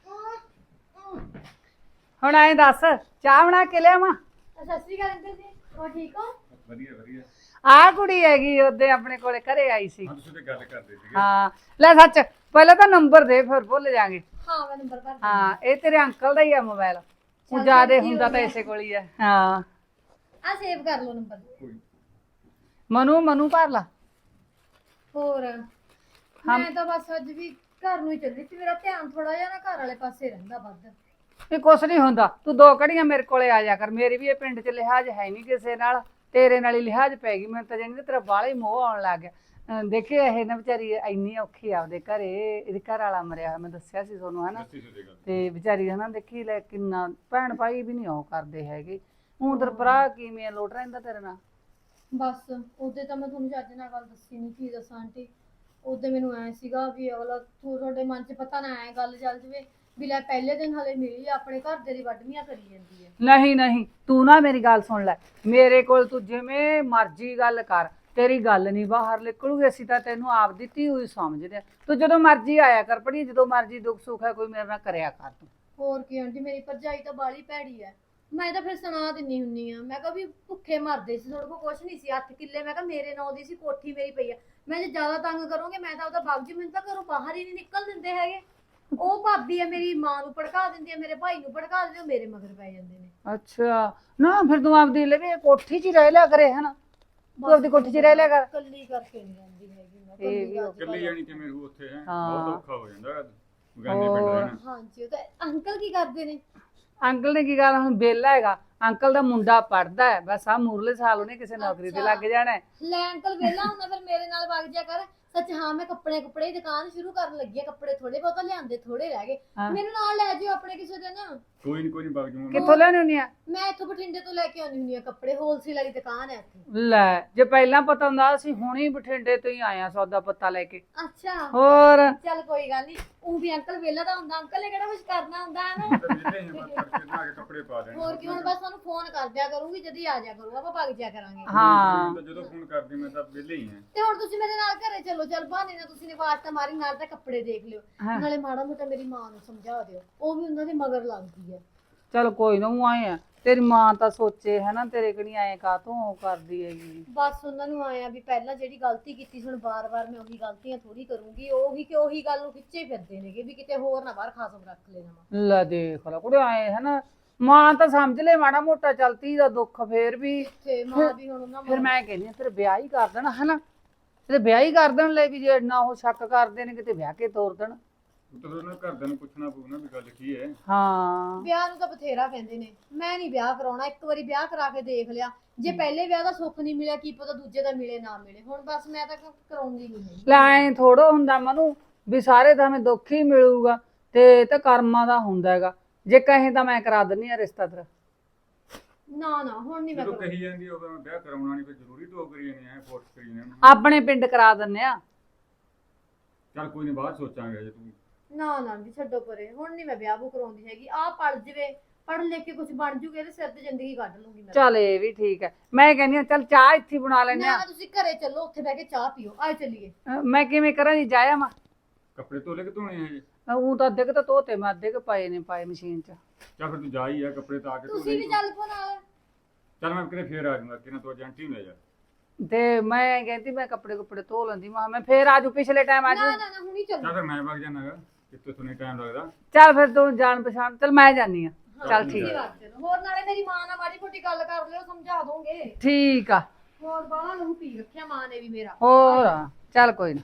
Speaker 2: ਹੁਣ ਐਂ ਦੱਸ, ਚਾਹ ਬਣਾ ਕੇ ਲਿਆਵਾਂ?
Speaker 3: ਸਤਿ ਸ਼੍ਰੀ ਅਕਾਲ ਅੰਕਲ ਜੀ, ਹੋਰ ਠੀਕ ਹੋ?
Speaker 4: ਵਧੀਆ ਵਧੀਆ।
Speaker 2: ਆਹ ਕੁੜੀ ਹੈਗੀ ਉਹਦੇ ਆਪਣੇ ਕੋਲੇ ਘਰੇ ਆਈ ਸੀ।
Speaker 4: ਹਾਂ ਤੁਸੀਂ ਤੇ ਗੱਲ ਕਰਦੇ ਸੀਗੇ।
Speaker 2: ਹਾਂ ਲੈ ਸੱਚ, ਪਹਿਲਾਂ ਤਾਂ ਨੰਬਰ ਦੇ, ਫਿਰ ਭੁੱਲ ਜਾਾਂਗੇ।
Speaker 3: ਹਾਂ ਮੈਂ ਨੰਬਰ ਭਰ
Speaker 2: ਹਾਂ ਇਹ ਤੇਰੇ ਅੰਕਲ ਦਾ ਹੀ ਆ ਮੋਬਾਈਲ, ਉਹ ਜਿਆਦੇ ਹੁੰਦਾ ਤਾਂ ਇਸੇ ਕੋਲ ਹੀ ਹੈ। ਹਾਂ
Speaker 3: ਆ ਸੇਵ ਕਰ ਲਓ ਨੰਬਰ।
Speaker 2: ਮਨੂ ਭਰ ਲਾ।
Speaker 3: ਹੋਰ ਮੈਂ ਤਾਂ ਬਸ ਅੱਜ ਵੀ ਘਰ ਨੂੰ ਹੀ ਚੱਲੀ ਸੀ, ਮੇਰਾ ਧਿਆਨ ਥੋੜਾ ਜਿਹਾ ਨਾ ਘਰ ਵਾਲੇ ਪਾਸੇ ਰਹਿੰਦਾ ਵੱਧ।
Speaker 2: ਇਹ ਕੁਛ ਨਹੀਂ ਹੁੰਦਾ, ਤੂੰ 2 ਘੜੀਆਂ ਮੇਰੇ ਕੋਲੇ ਆ ਜਾ ਕਰ, ਮੇਰੀ ਵੀ ਇਹ ਪਿੰਡ 'ਚ ਲਿਹਾਜ਼ ਹੈ ਨਹੀਂ ਕਿਸੇ ਨਾਲ, ਤੇਰੇ ਨਾਲ ਹੀ ਲਿਹਾਜ਼ ਪੈ ਗਈ ਮੈਨੂੰ ਤਾਂ, ਜਾਣੀ ਤੇਰਾ ਬਾਹਲਾ ਹੀ ਮੋਹ ਆਉਣ ਲੱਗ ਗਿਆ। ਦੇਖੇ ਇਹ ਨਾ ਵਿਚਾਰੀ ਇੰਨੀ ਔਖੀ ਆਪਦੇ ਘਰੇ, ਇਹਦੇ ਘਰ ਵਾਲਾ ਮਰਿਆ ਹੋਇਆ, ਮੈਂ ਦੱਸਿਆ ਸੀ ਤੁਹਾਨੂੰ ਹਨਾ, ਤੇ ਵਿਚਾਰੀ ਹਨਾ ਦੇਖੀ ਲੈ ਕਿੰਨਾ ਭੈਣ ਭਾਈ ਵੀ ਨਹੀਂ ਉਹ ਕਰਦੇ ਹੈਗੇ। ਹੁਣ ਤੇਰਾ ਭਰਾ ਕਿਵੇਂ ਲੋਟ ਰਹਿੰਦਾ ਤੇਰੇ ਨਾਲ?
Speaker 3: ਬਸ ਉਹਦੇ ਤਾਂ ਮੈਂ ਤੁਹਾਨੂੰ ਚੱਜ ਨਾਲ ਗੱਲ ਦੱਸੀ ਨਹੀਂ, ਕੀ ਦੱਸਾਂ ਆਂਟੀ। ਉਹਦੇ ਮੈਨੂੰ ਐ ਸੀਗਾ ਵੀ ਅਗਲਾ ਤੁਹਾਡੇ ਮਨ 'ਚ ਪਤਾ ਨਾ ਐ ਗੱਲ ਚੱਲ ਜਵੇ ਵੀ ਲੈ ਪਹਿਲੇ ਦਿਨ ਹਲੇ ਮਿਲੀ ਆਪਣੇ ਘਰ ਦੇ ਦੀ ਵੱਢਵੀਆਂ ਕਰੀ ਜਾਂਦੀ ਹੈ।
Speaker 2: ਨਹੀਂ ਨਹੀਂ, ਤੂੰ ਨਾ ਮੇਰੀ ਗੱਲ ਸੁਣ ਲੈ, ਮੇਰੇ ਕੋਲ ਤੂੰ ਜਿਵੇਂ ਮਰਜ਼ੀ ਗੱਲ ਕਰ, ਤੇਰੀ ਗੱਲ ਨਹੀਂ ਬਾਹਰ ਨਿਕਲੂਗੀ, ਅਸੀਂ ਤਾਂ ਤੈਨੂੰ ਆਪ ਦਿੱਤੀ ਹੋਈ ਸਮਝਦੇ ਆ। ਤੂੰ ਜਦੋਂ ਮਰਜ਼ੀ ਆਇਆ ਕਰ ਪੜੀ, ਜਦੋਂ ਮਰਜ਼ੀ ਦੁੱਖ ਸੁੱਖ ਹੈ ਕੋਈ ਮੇਰੇ ਨਾਲ ਕਰਿਆ ਕਰ ਤੂੰ।
Speaker 3: ਹੋਰ ਕੀ ਆਂਟੀ, ਮੇਰੀ ਭਰਜਾਈ ਤਾਂ ਬਾਲੀ ਭੈੜੀ ਐ, ਮੈਂ ਤਾਂ ਫਿਰ ਸੁਣਾ ਦਿੰਨੀ ਹੁੰਨੀ ਆ। ਮੈਂ ਕਿਹਾ ਵੀ ਭੁੱਖੇ ਮਰਦੇ ਸੀ, ਤੁਹਾਡੇ ਕੋਲ ਕੁਛ ਨਹੀਂ ਸੀ, 8 ਕਿੱਲੇ ਮੈਂ ਕਿਹਾ ਮੇਰੇ ਨਾਂ ਦੀ ਸੀ, ਕੋਠੀ ਮੇਰੀ ਪਈ ਆ, ਮੈਂ ਜੇ ਜ਼ਿਆਦਾ ਤੰਗ ਕਰੋਗੇ ਮੈਂ ਤਾਂ ਉਹਦਾ ਵਗ ਜੂ, ਮੈਨੂੰ ਤਾਂ ਘਰੋਂ ਬਾਹਰ ਹੀ ਨਹੀਂ ਨਿਕਲ ਦਿੰਦੇ ਹੈਗੇ। ਉਹ ਭਾਬੀ ਆ ਮੇਰੀ ਮਾਂ ਨੂੰ ਭੜਕਾ ਦਿੰਦੀ ਆ, ਮੇਰੇ ਭਾਈ ਨੂੰ ਭੜਕਾ ਦਿੰਦੇ, ਉਹ ਮੇਰੇ ਮਗਰ ਪੈ ਜਾਂਦੇ ਨੇ।
Speaker 2: ਅੱਛਾ ਨਾ, ਫਿਰ ਤੂੰ ਆਪਦੀ ਲਵੇ ਕੋਠੀ 'ਚ ਹੀ ਰਹਿ ਲਿਆ ਕਰੇ ਹਨਾ, ਤੂੰ ਆਪਦੀ ਕੋਠੀ 'ਚ ਰਹਿ ਲਿਆ ਕਰ।
Speaker 3: ਕੱਲੀ ਕਰਕੇ ਨਹੀਂ ਜਾਂਦੀ ਹੈਗੀ ਮੈਂ,
Speaker 2: ਇਹ ਵੀ
Speaker 4: ਇਕੱਲੀ ਜਾਣੀ ਕਿਵੇਂ ਰਹੂ ਉੱਥੇ ਹੈ,
Speaker 2: ਹਾਂ।
Speaker 4: ਬਹੁਤ ਔਖਾ ਹੋ ਜਾਂਦਾ ਗਾਂਧੀ ਪਿੰਡ ਰਹਿਣਾ।
Speaker 3: ਹਾਂਜੀ। ਉਹ ਤਾਂ ਅੰਕਲ ਕੀ ਕਰਦੇ ਨੇ?
Speaker 2: ਅੰਕਲ ਨੇ ਕੀ ਗੱਲ, ਹੁਣ ਵਿਹਲਾ ਹੈਗਾ, ਅੰਕਲ ਦਾ ਮੁੰਡਾ ਪੜਦਾ ਹੈ, ਬਸ ਆ ਮੂਰਲੇ ਸਾਲ ਉਹਨੇ ਕਿਸੇ ਨੌਕਰੀ ਤੇ ਲੱਗ ਜਾਣਾ ਹੈ।
Speaker 3: ਲੈ ਅੰਕਲ ਵਿਹਲਾ ਹੁੰਦਾ ਫਿਰ ਮੇਰੇ ਨਾਲ ਵਗ ਜਾ ਕਰ। ਸੱਚ ਹਾਂ, ਮੈਂ ਕੱਪੜੇ ਦੀ ਦੁਕਾਨ ਸ਼ੁਰੂ ਕਰਨ ਲੱਗੀ ਆ, ਕੱਪੜੇ ਥੋੜੇ ਬਹੁਤਾ ਲਿਆਂਦੇ, ਥੋੜੇ ਰਹਿ ਗਏ, ਮੈਨੂੰ ਨਾਲ ਲੈ ਜਿਓ ਆਪਣੇ ਕਿਸੇ ਦਿਨ।
Speaker 4: ਕੋਈ ਨਹੀਂ ਵਗ ਜੂਗਾ।
Speaker 2: ਕਿੱਥੋਂ ਲੈਣੇ ਹੁੰਦੀ ਆ?
Speaker 3: ਮੈਂ ਇੱਥੋਂ ਬਠਿੰਡੇ ਤੋਂ ਲੈ ਕੇ ਆਉਂਦੀ ਹੁੰਦੀ ਆ ਕੱਪੜੇ, ਹੋਲਸੇਲ ਵਾਲੀ ਦੁਕਾਨ ਹੈ ਇੱਥੇ।
Speaker 2: ਲੈ ਜੇ ਪਹਿਲਾਂ ਪਤਾ ਹੁੰਦਾ ਅਸੀਂ ਹੁਣੀ ਬਠਿੰਡੇ ਤੋਂ ਹੀ ਆਇਆ ਸੌਦਾ ਪੱਤਾ ਲੈ ਕੇ।
Speaker 3: ਅੱਛਾ
Speaker 2: ਹੋਰ
Speaker 3: ਚੱਲ ਕੋਈ ਗੱਲ ਨਹੀਂ, ਉਹ ਵੀ ਅੰਕਲ ਵਿਹਲਾ ਤਾਂ ਹੁੰਦਾ, ਅੰਕਲ ਨੇ ਕਿਹੜਾ ਕੁਝ ਕਰਨਾ ਹੁੰਦਾ ਹੈ ਨਾ।
Speaker 4: ਕੱਪੜੇ ਪਾ ਦੇਣੇ।
Speaker 3: ਹੋਰ ਕੀ, ਹੁਣ ਬਸ ਤੁਹਾਨੂੰ ਫੋਨ ਕਰ ਦਿਆ ਕਰੂੰਗੀ, ਜਦੀ ਆ ਜਾ ਕਰੂ, ਆਪਾਂ ਭੱਗ ਜਾ ਕਰਾਂਗੇ।
Speaker 2: ਹਾਂ
Speaker 4: ਜਦੋਂ ਫੋਨ ਕਰਦੀ ਮੈਂ ਤਾਂ ਵਿਹਲੇ ਹੀ ਹਾਂ।
Speaker 3: ਤੇ ਹੁਣ ਤੁਸੀਂ ਮੇਰੇ ਨਾਲ ਘਰੇ ਚੱਲੋ, ਚੱਲ ਬਹਾਨੇ ਨਾਲ ਤੁਸੀਂ ਨੇ ਆਵਾਜ਼ ਤਾਂ ਮਾਰੀ, ਨਾਲ ਤਾਂ ਕੱਪੜੇ ਦੇਖ ਲਿਓ, ਨਾਲੇ ਮਾੜਾ ਮੋਟਾ ਮੇਰੀ ਮਾਂ ਨੂੰ ਸਮਝਾ ਦਿਓ, ਉਹ ਵੀ ਉਹਨਾਂ ਦੇ ਮਗਰ ਲੱਗਦੀ ਹੈ।
Speaker 2: ਚਲ ਕੋਈ ਨਾ, ਉਹ ਆਏ ਆ, ਤੇਰੀ ਮਾਂ ਤਾਂ ਸੋਚੇ ਹਨਾ ਤੇਰੇ ਕਿਹੜੀ ਐ ਕਾਤੋਂ ਉਹ ਕਰਦੀ ਹੈਗੀ।
Speaker 3: ਬਸ ਉਹਨਾਂ ਨੂੰ ਆਇਆ ਵੀ ਪਹਿਲਾਂ ਜਿਹੜੀ ਗਲਤੀ ਕੀਤੀ ਸੀ, ਹੁਣ ਬਾਰ-ਬਾਰ ਮੈਂ ਉਹੀ ਗਲਤੀਆਂ ਥੋੜੀ ਕਰੂੰਗੀ, ਉਹੀ ਗੱਲ ਨੂੰ ਖਿੱਚੇ ਫਿਰਦੇ ਨੇਗੇ ਵੀ ਕਿਤੇ ਹੋਰ ਨਾ ਬਾਹਰ ਖਾਸਮ ਰੱਖ ਲੈਣਾ।
Speaker 2: ਲੈ ਦੇਖ ਲੈ ਕੁੜੇ ਆਏ ਹਨਾ, ਮਾਂ ਤਾਂ ਸਮਝ ਲੈ ਮਾੜਾ ਮੋਟਾ, ਚਲਤੀ ਦਾ ਦੁੱਖ ਫੇਰ ਵੀ
Speaker 3: ਤੇ ਮਾਂ ਵੀ ਹੁਣ ਉਹਨਾਂ
Speaker 2: ਫਿਰ ਮੈਂ ਕਹਿੰਦੀ ਆ ਤੇਰੇ ਵਿਆਹ ਹੀ ਕਰ ਦੇਣਾ ਹਨਾ, ਤੇ ਵਿਆਹ ਹੀ ਕਰ ਦੇਣ ਲੈ ਵੀ ਜੇ ਇੰਨਾ ਉਹ ਸ਼ੱਕ ਕਰਦੇ ਨੇ ਕਿਤੇ ਵਿਆਹ ਕੇ ਤੋਰ ਦੇਣ।
Speaker 4: ਤਾਂ ਉਹਨਾਂ ਘਰਦਿਆਂ ਨੂੰ ਪੁੱਛਣਾ ਪਊ ਨਾ ਵੀ ਗੱਲ ਕੀ ਹੈ।
Speaker 2: ਹਾਂ
Speaker 3: ਵਿਆਹ ਨੂੰ ਤਾਂ ਬਥੇਰਾ ਕਹਿੰਦੇ ਨੇ, ਮੈਂ ਨਹੀਂ ਵਿਆਹ ਕਰਾਉਣਾ, ਇੱਕ ਵਾਰੀ ਵਿਆਹ ਕਰਾ ਕੇ ਦੇਖ ਲਿਆ, ਜੇ ਪਹਿਲੇ ਵਿਆਹ ਦਾ ਸੁੱਖ ਨਹੀਂ ਮਿਲਿਆ ਕੀ ਪਤਾ ਦੂਜੇ ਦਾ ਮਿਲੇ ਨਾ ਮਿਲੇ, ਹੁਣ ਬਸ ਮੈਂ ਤਾਂ ਕਰਾਉਂਦੀ ਨਹੀਂ।
Speaker 2: ਲੈ ਐ ਥੋੜਾ ਹੁੰਦਾ ਮਨੂੰ ਵੀ ਸਾਰੇ ਤਾਂ ਹਮੇ ਦੁੱਖ ਹੀ ਮਿਲੂਗਾ, ਤੇ ਤਾਂ ਕਰਮਾਂ ਦਾ ਹੁੰਦਾ ਹੈਗਾ, ਜੇ ਕਹੇ ਤਾਂ ਮੈਂ ਕਰਾ ਦਿੰਨੀ ਆ ਰਿਸ਼ਤਾ ਤੇਰਾ।
Speaker 3: ਨਾ ਹੁਣ ਨਹੀਂ ਮੈਂ
Speaker 4: ਜਦੋਂ ਕਹੀ ਜਾਂਦੀ ਉਹ ਵਿਆਹ ਕਰਾਉਣਾ ਨਹੀਂ, ਫਿਰ ਜ਼ਰੂਰੀ ਤੋਂ ਕਰੀ ਜਾਂਦੇ ਆ, ਫੋਰਸ ਕਰੀ ਜਾਂਦੇ ਆ।
Speaker 2: ਆਪਣੇ ਪਿੰਡ ਕਰਾ ਦਿੰਨੇ ਆ।
Speaker 4: ਚੱਲ ਕੋਈ ਨਹੀਂ, ਬਾਅਦ ਸੋਚਾਂਗੇ ਜੇ ਤੂੰ।
Speaker 3: ਨਾ ਵੀ ਛੱਡੋ ਪਰੇ, ਹੁਣ ਨਹੀਂ ਮੈਂ ਵਿਆਹ ਬੂ ਕਰਾਉਂਦੀ ਹੈਗੀ, ਆਹ ਪੜ ਜਵੇ, ਪੜ ਲੈ ਕੇ ਕੁਝ ਬਣ ਜੂਗੇ, ਇਹਦੇ ਸਿਰ ਤੇ ਜ਼ਿੰਦਗੀ ਕੱਢ ਲੂੰਗੀ ਮੈਂ।
Speaker 2: ਚੱਲ ਇਹ ਵੀ ਠੀਕ ਹੈ, ਮੈਂ ਕਹਿੰਦੀ ਆ ਚੱਲ ਚਾਹ ਇੱਥੇ ਬਣਾ ਲੈਨੇ ਆ।
Speaker 3: ਨਾ ਤੁਸੀਂ ਘਰੇ ਚੱਲੋ, ਉੱਥੇ ਬਹਿ ਕੇ ਚਾਹ ਪੀਓ, ਆਏ ਚੱਲੀਏ।
Speaker 2: ਮੈਂ ਕਿਵੇਂ ਕਰਾਂ ਜੀ, ਜਾਇਆ ਮਾ
Speaker 4: ਕੱਪੜੇ ਧੋਲੇ ਕਿ ਧੋਣੇ ਆ ਜੀ?
Speaker 2: ਉਹ ਤਾਂ ਅੱਧੇ ਕੁ ਤਾਂ ਧੋਤੇ, ਮੈਂ ਅੱਧੇ ਕੁ ਪਾਏ ਮਸ਼ੀਨ 'ਚ।
Speaker 4: ਚੱਲ ਫਿਰ ਤੂੰ ਜਾ ਹੀ ਆ, ਕੱਪੜੇ ਤਾਂ ਆ ਕੇ
Speaker 3: ਤੁਸੀਂ ਵੀ ਚੱਲ ਪੋ ਨਾਲ।
Speaker 4: ਚੱਲ ਮੈਂ ਕਿਤੇ ਫੇਰ ਆ ਜਾਊਂਗਾ, ਕਿਨਾਂ ਤੂੰ ਏਜੰਟੀ ਨੂੰ ਲੈ ਜਾ।
Speaker 2: ਤੇ ਮੈਂ ਕਹਿੰਦੀ ਮੈਂ ਕੱਪੜੇ ਧੋ ਲੈਂਦੀ, ਮੈਂ ਫੇਰ ਆਜੂ, ਪਿਛਲੇ ਟਾਈਮ ਆਜੂ।
Speaker 3: ਨਾ ਹੁਣੀ ਚੱਲੋ।
Speaker 4: ਚੱਲ ਫਿਰ ਮੈਂ ਵਗ ਜਾਣਾਗਾ, ਕਿਤੇ ਤੁਹਾਨੂੰ ਟਾਈਮ ਲੱਗਦਾ।
Speaker 2: ਚੱਲ ਫਿਰ ਤੂੰ ਜਾਣ ਪਛਾਣ, ਚੱਲ ਮੈਂ ਜਾਨੀ ਆ। ਚੱਲ ਠੀਕ
Speaker 3: ਤੁਸੀਂ ਵਗ ਚਲੋ, ਹੋਰ ਨਾਲੇ ਮੇਰੀ ਮਾਂ ਨਾਲ ਮਾੜੀ ਮੋਟੀ ਗੱਲ ਕਰ ਲਿਓ, ਸਮਝਾ ਦੋਗੇ।
Speaker 2: ਠੀਕ ਆ।
Speaker 3: ਹੋਰ ਬਾਹਲਾ ਲਹੂ ਪੀ ਰੱਖਿਆ ਮਾਂ ਨੇ ਵੀ ਮੇਰਾ।
Speaker 2: ਹੋਰ ਚੱਲ ਕੋਈ ਨਾ।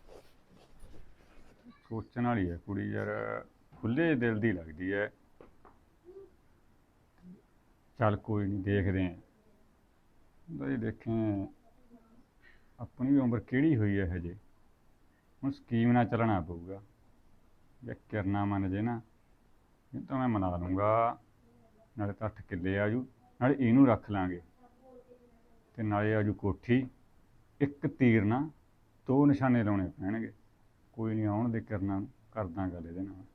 Speaker 4: ਸੋਚਣ ਵਾਲੀ ਹੈ ਕੁੜੀ ਯਾਰ, ਖੁੱਲੇ ਦਿਲ ਦੀ ਲੱਗਦੀ ਹੈ। ਚੱਲ ਕੋਈ ਨਹੀਂ, ਦੇਖਦੇ ਆਂ ਬਈ, ਦੇਖੇ ਆਪਣੀ ਵੀ ਉਮਰ ਕਿਹੜੀ ਹੋਈ ਹੈ ਹਜੇ, ਹੁਣ ਸਕੀਮ ਨਾਲ ਚੱਲਣਾ ਪਊਗਾ। ਜੇ ਕਿਰਨਾ ਮੰਨ ਜੇ ਨਾ, ਇਹ ਤਾਂ ਮੈਂ ਮਨਾ ਲੂੰਗਾ, ਨਾਲੇ ਤਾਂ 8 ਕਿੱਲੇ ਆਜੂ, ਨਾਲੇ ਇਹਨੂੰ ਰੱਖ ਲਾਂਗੇ, ਤੇ ਨਾਲੇ ਆਜੂ ਕੋਠੀ। ਇੱਕ ਤੀਰ ਨਾ 2 ਨਿਸ਼ਾਨੇ ਲਾਉਣੇ ਪੈਣਗੇ, ਕੋਈ ਨਹੀਂ, ਆਉਣ ਦੇ, ਕਰਨਾ ਕਰਦਾ ਗੱਲ ਇਹਦੇ ਨਾਲ।